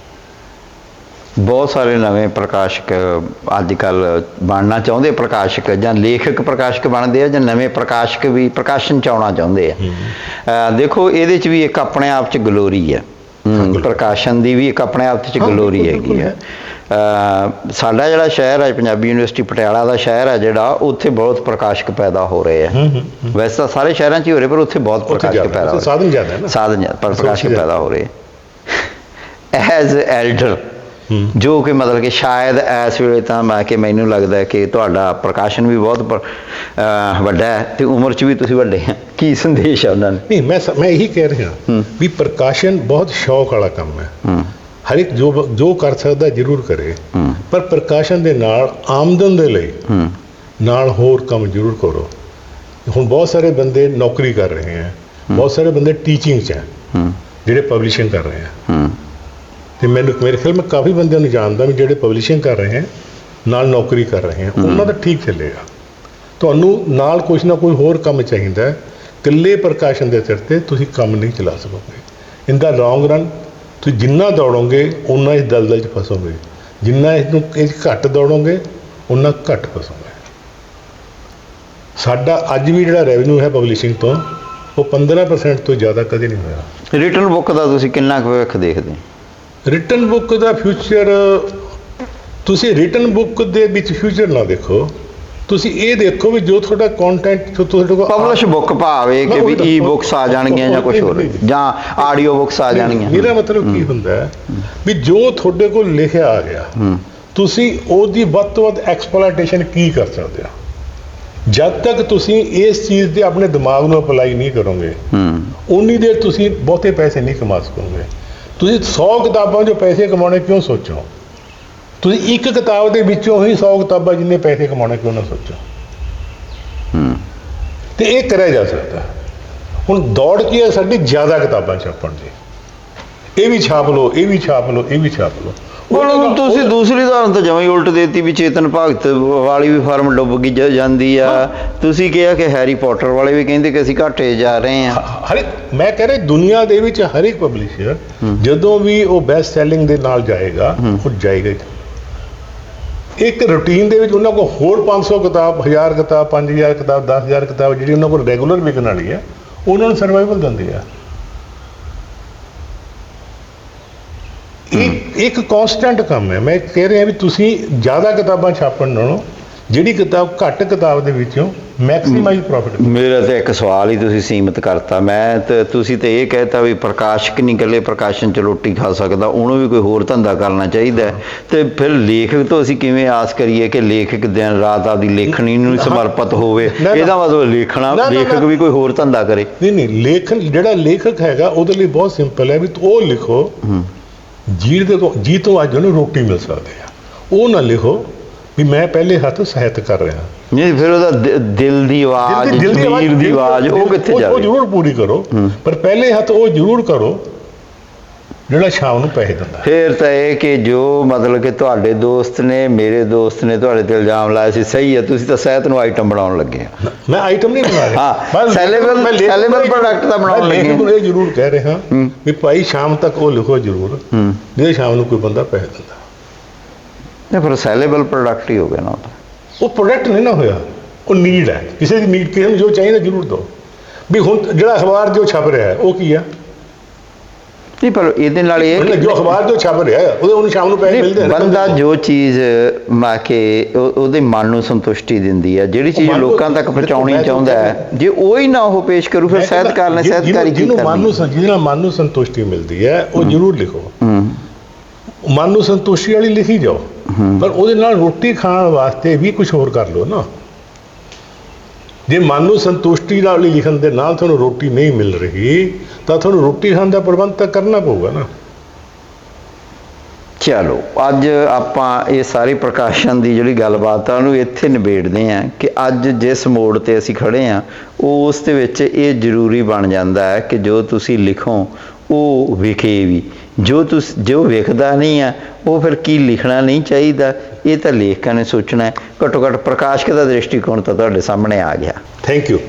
ਬਹੁਤ ਸਾਰੇ ਨਵੇਂ ਪ੍ਰਕਾਸ਼ਕ ਅੱਜ ਕੱਲ੍ਹ ਬਣਨਾ ਚਾਹੁੰਦੇ, ਪ੍ਰਕਾਸ਼ਕ ਜਾਂ ਲੇਖਕ ਪ੍ਰਕਾਸ਼ਕ ਬਣਦੇ ਆ, ਜਾਂ ਨਵੇਂ ਪ੍ਰਕਾਸ਼ਕ ਵੀ ਪ੍ਰਕਾਸ਼ਨ 'ਚ ਆਉਣਾ ਚਾਹੁੰਦੇ ਆ। ਅਹ ਦੇਖੋ ਇਹਦੇ 'ਚ ਵੀ ਇੱਕ ਆਪਣੇ ਆਪ 'ਚ ਗਲੋਰੀ ਹੈ, ਹਮ, ਪ੍ਰਕਾਸ਼ਨ ਦੀ ਵੀ ਇੱਕ ਆਪਣੇ ਆਪ 'ਚ ਗਲੋਰੀ ਹੈਗੀ ਹੈ। ਅਹ ਸਾਡਾ ਜਿਹੜਾ ਸ਼ਹਿਰ ਹੈ, ਪੰਜਾਬੀ ਯੂਨੀਵਰਸਿਟੀ ਪਟਿਆਲਾ ਦਾ ਸ਼ਹਿਰ ਹੈ ਜਿਹੜਾ, ਉੱਥੇ ਬਹੁਤ ਪ੍ਰਕਾਸ਼ਕ ਪੈਦਾ ਹੋ ਰਹੇ ਆ। ਵੈਸੇ ਤਾਂ ਸਾਰੇ ਸ਼ਹਿਰਾਂ 'ਚ ਹੀ ਹੋ ਰਹੇ, ਪਰ ਉੱਥੇ ਬਹੁਤ ਪ੍ਰਕਾਸ਼ਕ ਪੈਦਾ ਹੋ ਰਹੇ,
ਸਾਧਨ ਜ਼ਿਆਦਾ ਹੈ ਨਾ,
ਸਾਧਨ ਜ਼ਿਆਦਾ, ਪਰ ਪ੍ਰਕਾਸ਼ਕ ਪੈਦਾ ਹੋ ਰਹੇ ਐਜ਼ ਐਲਡਰ, ਜੋ ਕਿ ਮਤਲਬ ਕਿ ਸ਼ਾਇਦ ਇਸ ਵੇਲੇ ਤਾਂ ਮੈਂ ਕਿ ਮੈਨੂੰ ਲੱਗਦਾ ਕਿ ਤੁਹਾਡਾ ਪ੍ਰਕਾਸ਼ਨ ਵੀ ਬਹੁਤ ਪ- ਅਹ ਵੱਡਾ ਹੈ ਤੇ ਉਮਰ 'ਚ ਵੀ ਤੁਸੀਂ ਵੱਡੇ ਹੈ। ਕੀ ਸੰਦੇਸ਼ ਹੈ ਉਹਨਾਂ ਨੂੰ?
ਨਹੀਂ, ਮੈਂ ਸ- ਮੈਂ ਇਹੀ ਕਹਿ ਰਿਹਾ ਵੀ ਪ੍ਰਕਾਸ਼ਨ ਬਹੁਤ ਸ਼ੌਕ ਵਾਲਾ ਕੰਮ ਹੈ।
ਹੂੰ
ਹਰ ਇੱਕ ਜੋ ਜੋ ਕਰ ਸਕਦਾ ਜ਼ਰੂਰ ਕਰੇ,
ਹੂੰ
ਪਰ ਪ੍ਰਕਾਸ਼ਨ ਦੇ ਨਾਲ ਆਮਦਨ ਦੇ ਲਈ
ਹੂੰ
ਨਾਲ ਹੋਰ ਕੰਮ ਜ਼ਰੂਰ ਕਰੋ। ਹੁਣ ਬਹੁਤ ਸਾਰੇ ਬੰਦੇ ਨੌਕਰੀ ਕਰ ਰਹੇ ਹੈ, ਬਹੁਤ ਸਾਰੇ ਬੰਦੇ ਟੀਚਿੰਗ 'ਚ ਹੈ,
ਹੂੰ
ਜਿਹੜੇ ਪਬਲਿਸ਼ਿੰਗ ਕਰ ਰਹੇ ਹੈ।
ਹੂੰ
ਤੇ ਮੈਨੂੰ ਮੇਰੇ ਖਿਆਲ ਮੈਂ ਕਾਫੀ ਬੰਦਿਆਂ ਨੂੰ ਜਾਣਦਾ ਵੀ ਜਿਹੜੇ ਪਬਲਿਸ਼ਿੰਗ ਕਰ ਰਹੇ ਹੈ ਨਾਲ ਨੌਕਰੀ ਕਰ ਰਹੇ ਹੈ, ਉਹਨਾਂ ਦਾ ਠੀਕ ਚੱਲੇਗਾ। ਤੁਹਾਨੂੰ ਨਾਲ ਕੁਛ ਨਾ ਕੋਈ ਹੋਰ ਕੰਮ ਚਾਹੀਦਾ ਹੈ। ਇਕੱਲੇ ਪ੍ਰਕਾਸ਼ਨ ਦੇ ਸਿਰ ਤੇ ਤੁਸੀਂ ਕੰਮ ਨਹੀਂ ਚਲਾ ਸਕੋਗੇ। ਇਨ ਦਾ ਲੌਂਗ ਰਨ ਤੁਸੀਂ ਜਿੰਨਾ ਦੌੜੋਗੇ ਉਨਾ ਇਸ ਦਲਦਲ 'ਚ ਫਸੋਗੇ, ਜਿੰਨਾ ਇਹਨੂੰ ਇਹ 'ਚ ਘੱਟ ਦੌੜੋਗੇ ਉਨਾ ਘੱਟ ਫਸੋਗੇ। ਸਾਡਾ ਅੱਜ ਵੀ ਜਿਹੜਾ ਰੈਵਨਿਊ ਹੈ ਪਬਲਿਸ਼ਿੰਗ ਤੋਂ, ਉਹ ਪੰਦਰਾਂ ਪਰਸੈਂਟ ਤੋਂ ਜ਼ਿਆਦਾ ਕਦੇ ਨਹੀਂ ਹੋਇਆ।
ਰਿਟਨ ਬੁੱਕ ਦਾ ਤੁਸੀਂ ਕਿੰਨਾ ਕੁ ਭਵਿੱਖ ਦੇਖਦੇ?
ਰਿਟਨ ਬੁੱਕ ਦਾ ਫਿਊਚਰ, ਤੁਸੀਂ ਰਿਟਨ ਬੁੱਕ ਦੇ ਵਿੱਚ ਫਿਊਚਰ ਨਾ ਦੇਖੋ, ਤੁਸੀਂ ਇਹ ਦੇਖੋ ਵੀ ਜੋ ਤੁਹਾਡਾ ਕੰਟੈਂਟ ਤੁਹਾਡੇ ਕੋਲ
ਪਬਲਿਸ਼ ਬੁੱਕ ਭਾਵੇਂ ਕਿ ਵੀ ਈ ਬੁੱਕਸ ਆ ਜਾਣਗੀਆਂ ਜਾਂ ਕੁਝ ਹੋਰ, ਜਾਂ ਆਡੀਓ ਬੁੱਕਸ ਆ ਜਾਣਗੀਆਂ।
ਮੇਰਾ ਮਤਲਬ ਕੀ ਹੁੰਦਾ ਹੈ ਵੀ ਜੋ ਤੁਹਾਡੇ ਕੋਲ ਲਿਖਿਆ ਆ ਗਿਆ, ਤੁਸੀਂ ਉਹਦੀ ਵੱਧ ਤੋਂ ਵੱਧ ਐਕਸਪਲੋਇਟੇਸ਼ਨ ਕੀ ਕਰ ਸਕਦੇ ਹੋ। ਜਦ ਤੱਕ ਤੁਸੀਂ ਇਸ ਚੀਜ਼ ਦੇ ਆਪਣੇ ਦਿਮਾਗ ਨੂੰ ਅਪਲਾਈ ਨਹੀਂ ਕਰੋਗੇ, ਉਨੀ ਦੇਰ ਤੁਸੀਂ ਬਹੁਤੇ ਪੈਸੇ ਨਹੀਂ ਕਮਾ ਸਕੋਗੇ। ਤੁਸੀਂ ਸੌ ਕਿਤਾਬਾਂ 'ਚੋਂ ਪੈਸੇ ਕਮਾਉਣੇ ਕਿਉਂ ਸੋਚੋ? ਤੁਸੀਂ ਇੱਕ ਕਿਤਾਬ ਦੇ ਵਿੱਚੋਂ ਹੀ ਸੌ ਕਿਤਾਬਾਂ ਜਿੰਨੇ ਪੈਸੇ ਕਮਾਉਣੇ ਕਿਉਂ ਨਾ ਸੋਚੋ। ਤੇ ਇਹ ਕਰਿਆ ਜਾ ਸਕਦਾ। ਹੁਣ ਦੌੜ ਕੀ ਹੈ ਸਾਡੀ, ਜ਼ਿਆਦਾ ਕਿਤਾਬਾਂ ਛਾਪਣ ਦੀ। ਇਹ ਵੀ ਛਾਪ ਲਓ, ਇਹ ਵੀ ਛਾਪ ਲਓ, ਇਹ ਵੀ ਛਾਪ ਲਓ।
ਹੁਣ ਤੁਸੀਂ ਦੂਸਰੀ ਉਦਾਹਰਨ ਤਾਂ ਜਮਾਂ ਹੀ ਉਲਟ ਦੇਤੀ ਵੀ ਚੇਤਨ ਭਗਤ ਵਾਲੀ ਵੀ ਫਾਰਮ ਡੁੱਬ ਗਈ ਜ- ਜਾਂਦੀ ਆ। ਤੁਸੀਂ ਕਿਹਾ ਕਿ ਹੈਰੀ ਪੋਟਰ ਵਾਲੇ ਵੀ ਕਹਿੰਦੇ ਕਿ ਅਸੀਂ ਘਾਟੇ ਜਾ ਰਹੇ ਹਾਂ।
ਹਰ ਇੱਕ, ਮੈਂ ਕਹਿ ਰਿਹਾ ਦੁਨੀਆ ਦੇ ਵਿੱਚ ਹਰ ਇੱਕ ਪਬਲਿਸ਼ਰ ਜਦੋਂ ਵੀ ਉਹ ਬੈਸਟ ਸੈਲਿੰਗ ਦੇ ਨਾਲ ਜਾਏਗਾ, ਉਹ ਜਾਏਗਾ ਹੀ। ਇੱਕ ਰੂਟੀਨ ਦੇ ਵਿੱਚ ਉਹਨਾਂ ਕੋਲ ਹੋਰ ਪੰਜ ਸੌ ਕਿਤਾਬ, ਹਜ਼ਾਰ ਕਿਤਾਬ, ਪੰਜ ਹਜ਼ਾਰ ਕਿਤਾਬ, ਦਸ ਹਜ਼ਾਰ ਕਿਤਾਬ ਜਿਹੜੀ ਉਹਨਾਂ ਕੋਲ ਰੈਗੂਲਰ ਵਿਕਣ ਵਾਲੀ ਹੈ, ਉਹਨਾਂ ਨੂੰ ਸਰਵਾਈਵਲ ਦਿੰਦੀ ਆ। ਇਹ ਇੱਕ ਕਾਂਸਟੈਂਟ ਕੰਮ ਹੈ। ਮੈਂ ਕਹਿ ਰਿਹਾ ਵੀ ਤੁਸੀਂ ਜ਼ਿਆਦਾ ਕਿਤਾਬਾਂ ਛਾਪਣ ਨਾਲੋਂ ਜਿਹੜੀ ਕਿਤਾਬ ਘੱਟ ਕਿਤਾਬ ਦੇ ਵਿੱਚੋਂ ਮੈਕਸਿਮਾਈਜ਼ ਪ੍ਰੋਫਿਟ।
ਮੇਰਾ ਤਾਂ ਇੱਕ ਸਵਾਲ ਹੀ ਤੁਸੀਂ ਸੀਮਤ ਕਰਤਾ। ਮੈਂ ਤੇ ਤੁਸੀਂ ਤੇ ਇਹ ਕਹਿਤਾ ਵੀ ਪ੍ਰਕਾਸ਼ਕ ਨਹੀਂ ਇਕੱਲੇ ਪ੍ਰਕਾਸ਼ਨ 'ਚ ਰੋਟੀ ਖਾ ਸਕਦਾ, ਉਹਨੂੰ ਵੀ ਕੋਈ ਹੋਰ ਧੰਦਾ ਕਰਨਾ ਚਾਹੀਦਾ। ਤੇ ਫਿਰ ਲੇਖਕ ਤੋਂ ਅਸੀਂ ਕਿਵੇਂ ਆਸ ਕਰੀਏ ਕਿ ਲੇਖਕ ਦਿਨ ਰਾਤ ਆਪਦੀ ਲੇਖਣੀ ਨੂੰ ਸਮਰਪਿਤ ਹੋਵੇ? ਇਹਦਾ ਮਤਲਬ ਲੇਖਣਾ ਲੇਖਕ ਵੀ ਕੋਈ ਹੋਰ ਧੰਦਾ ਕਰੇ?
ਨਹੀਂ ਨਹੀਂ, ਲੇਖਨ ਜਿਹੜਾ ਲੇਖਕ ਹੈਗਾ ਉਹਦੇ ਲਈ ਬਹੁਤ ਸਿੰਪਲ ਹੈ ਵੀ ਉਹ ਲਿਖੋ ਜਿਹਦੇ ਤੋਂ ਜੀ ਤੋਂ ਅੱਜ ਉਹਨੂੰ ਰੋਟੀ ਮਿਲ ਸਕਦੀ ਆ। ਉਹ ਨਾ ਲਿਖੋ ਵੀ ਮੈਂ ਪਹਿਲੇ ਹੱਥ ਸਾਹਿਤ ਕਰ ਰਿਹਾ।
ਨਹੀਂ, ਫਿਰ ਉਹਦਾ ਦਿ- ਦਿਲ ਦੀ ਆਵਾਜ਼, ਜ਼ਮੀਰ ਦੀ ਆਵਾਜ਼ ਉਹ ਕਿੱਥੇ
ਉਹ
ਜਾਵੇ?
ਜ਼ਰੂਰ ਪੂਰੀ ਕਰੋ, ਪਰ ਪਹਿਲੇ ਹੱਥ ਉਹ ਜ਼ਰੂਰ ਕਰੋ ਜਿਹੜਾ ਸ਼ਾਮ ਨੂੰ ਪੈਸੇ ਦਿੰਦਾ।
ਫਿਰ ਤਾਂ ਇਹ ਕਿ ਜੋ ਮਤਲਬ ਕਿ ਤੁਹਾਡੇ ਦੋਸਤ ਨੇ, ਮੇਰੇ ਦੋਸਤ ਨੇ ਤੁਹਾਡੇ ਤੇ ਇਲਜ਼ਾਮ ਲਾਇਆ ਸੀ, ਸਹੀ ਹੈ, ਤੁਸੀਂ ਤਾਂ ਸਾਹਿਤ ਨੂੰ ਆਈਟਮ ਬਣਾਉਣ ਲੱਗੇ ਆ।
ਮੈਂ ਆਈਟਮ ਨਹੀਂ ਬਣਾ ਰਿਹਾ,
ਹਾਂ, ਸੈਲੇਬਲ ਸੈਲੇਬਲ ਪ੍ਰੋਡਕਟ ਦਾ ਬਣਾਉਣ ਲੱਗੇ
ਮੈਂ ਇਹ ਜ਼ਰੂਰ ਕਹਿ ਰਿਹਾ ਵੀ ਭਾਈ ਸ਼ਾਮ ਤੱਕ ਉਹ ਲਿਖੋ ਜ਼ਰੂਰ, ਜੇ ਸ਼ਾਮ ਨੂੰ ਕੋਈ ਬੰਦਾ ਪੈਸੇ ਦਿੰਦਾ।
ਨਹੀਂ, ਫਿਰ ਸੈਲੇਬਲ ਪ੍ਰੋਡਕਟ ਹੀ ਹੋ ਗਿਆ ਨਾ।
ਉਹ ਪ੍ਰੋਡਕਟ ਨਹੀਂ ਨਾ ਹੋਇਆ, ਉਹ ਨੀਡ ਹੈ। ਕਿਸੇ ਦੀ ਨੀਡ, ਕਿਸੇ ਨੂੰ ਜੋ ਚਾਹੀਦਾ ਜ਼ਰੂਰ ਦਿਓ। ਵੀ ਹੁਣ ਜਿਹੜਾ ਅਖਬਾਰ ਜੋ ਛਪ ਰਿਹਾ ਹੈ ਉਹ ਕੀ ਆ?
ਨਹੀਂ, ਪਰ ਇਹਦੇ ਨਾਲ ਇਹ
ਮਤਲਬ ਜੋ ਅਖਬਾਰ ਜੋ ਛਪ ਰਿਹਾ ਹੈ ਉਹਦੇ ਉਹਨੂੰ ਸ਼ਾਮ ਨੂੰ ਪੈਸੇ ਮਿਲਦੇ ਨੇ।
ਬੰਦਾ ਜੋ ਚੀਜ਼ ਮਾ ਕੇ ਉਹ- ਉਹਦੇ ਮਨ ਨੂੰ ਸੰਤੁਸ਼ਟੀ ਦਿੰਦੀ ਹੈ, ਜਿਹੜੀ ਚੀਜ਼ ਲੋਕਾਂ ਤੱਕ ਪਹੁੰਚਾਉਣੀ ਚਾਹੁੰਦਾ ਹੈ, ਜੇ ਉਹ ਹੀ ਨਾ ਉਹ ਪੇਸ਼ ਕਰੂ, ਫਿਰ ਸਾਹਿਤਕਾਰ ਨੇ ਸਾਹਿਤਕਾਰੀ ਕੀ
ਜਿਹਨੂੰ ਮਨ
ਕਰਨੀ?
ਨੂੰ ਜਿਹਦੇ ਨਾਲ ਮਨ ਨੂੰ ਸੰਤੁਸ਼ਟੀ ਮਿਲਦੀ ਹੈ ਉਹ ਜ਼ਰੂਰ ਲਿਖੋ। ਮਨ ਨੂੰ ਸੰਤੁਸ਼ਟੀ ਵਾਲੀ ਲਿਖੀ ਜਾਓ, ਪਰ ਉਹਦੇ ਨਾਲ ਰੋਟੀ ਖਾਣ ਵਾਸਤੇ ਵੀ ਕੁਝ ਹੋਰ ਕਰ ਲਓ ਨਾ। ਜੇ ਮਨ ਨੂੰ ਸੰਤੁਸ਼ਟੀ ਨਾਲ ਲਿਖਣ ਦੇ ਨਾਲ ਤੁਹਾਨੂੰ ਰੋਟੀ ਨਹੀਂ ਮਿਲ ਰਹੀ, ਤਾਂ ਤੁਹਾਨੂੰ ਰੋਟੀ ਖਾਣ ਦਾ ਪ੍ਰਬੰਧ ਤਾਂ ਕਰਨਾ ਪਊਗਾ ਨਾ।
ਚਲੋ, ਅੱਜ ਆਪਾਂ ਇਹ ਸਾਰੀ ਪ੍ਰਕਾਸ਼ਨ ਦੀ ਜਿਹੜੀ ਗੱਲਬਾਤ ਆ ਉਹਨੂੰ ਇੱਥੇ ਨਿਬੇੜਦੇ ਹਾਂ ਕਿ ਅੱਜ ਜਿਸ ਮੋੜ ਤੇ ਅਸੀਂ ਖੜੇ ਹਾਂ, ਉਸ ਦੇ ਵਿੱਚ ਇਹ ਜ਼ਰੂਰੀ ਬਣ ਜਾਂਦਾ ਹੈ ਕਿ ਜੋ ਤੁਸੀਂ ਲਿਖੋ ਉਹ ਵਿਖੇ ਵੀ। ਜੋ ਤੁਸ ਜੋ ਵਿਖਦਾ ਨਹੀਂ ਆ ਉਹ ਫਿਰ ਕੀ ਲਿਖਣਾ ਨਹੀਂ ਚਾਹੀਦਾ, ਇਹ ਤਾਂ ਲੇਖਕਾਂ ਨੇ ਸੋਚਣਾ ਹੈ। ਘੱਟੋ ਘੱਟ ਪ੍ਰਕਾਸ਼ਕ ਦਾ ਦ੍ਰਿਸ਼ਟੀਕੋਣ ਤਾਂ ਤੁਹਾਡੇ ਸਾਹਮਣੇ ਆ ਗਿਆ।
Thank you.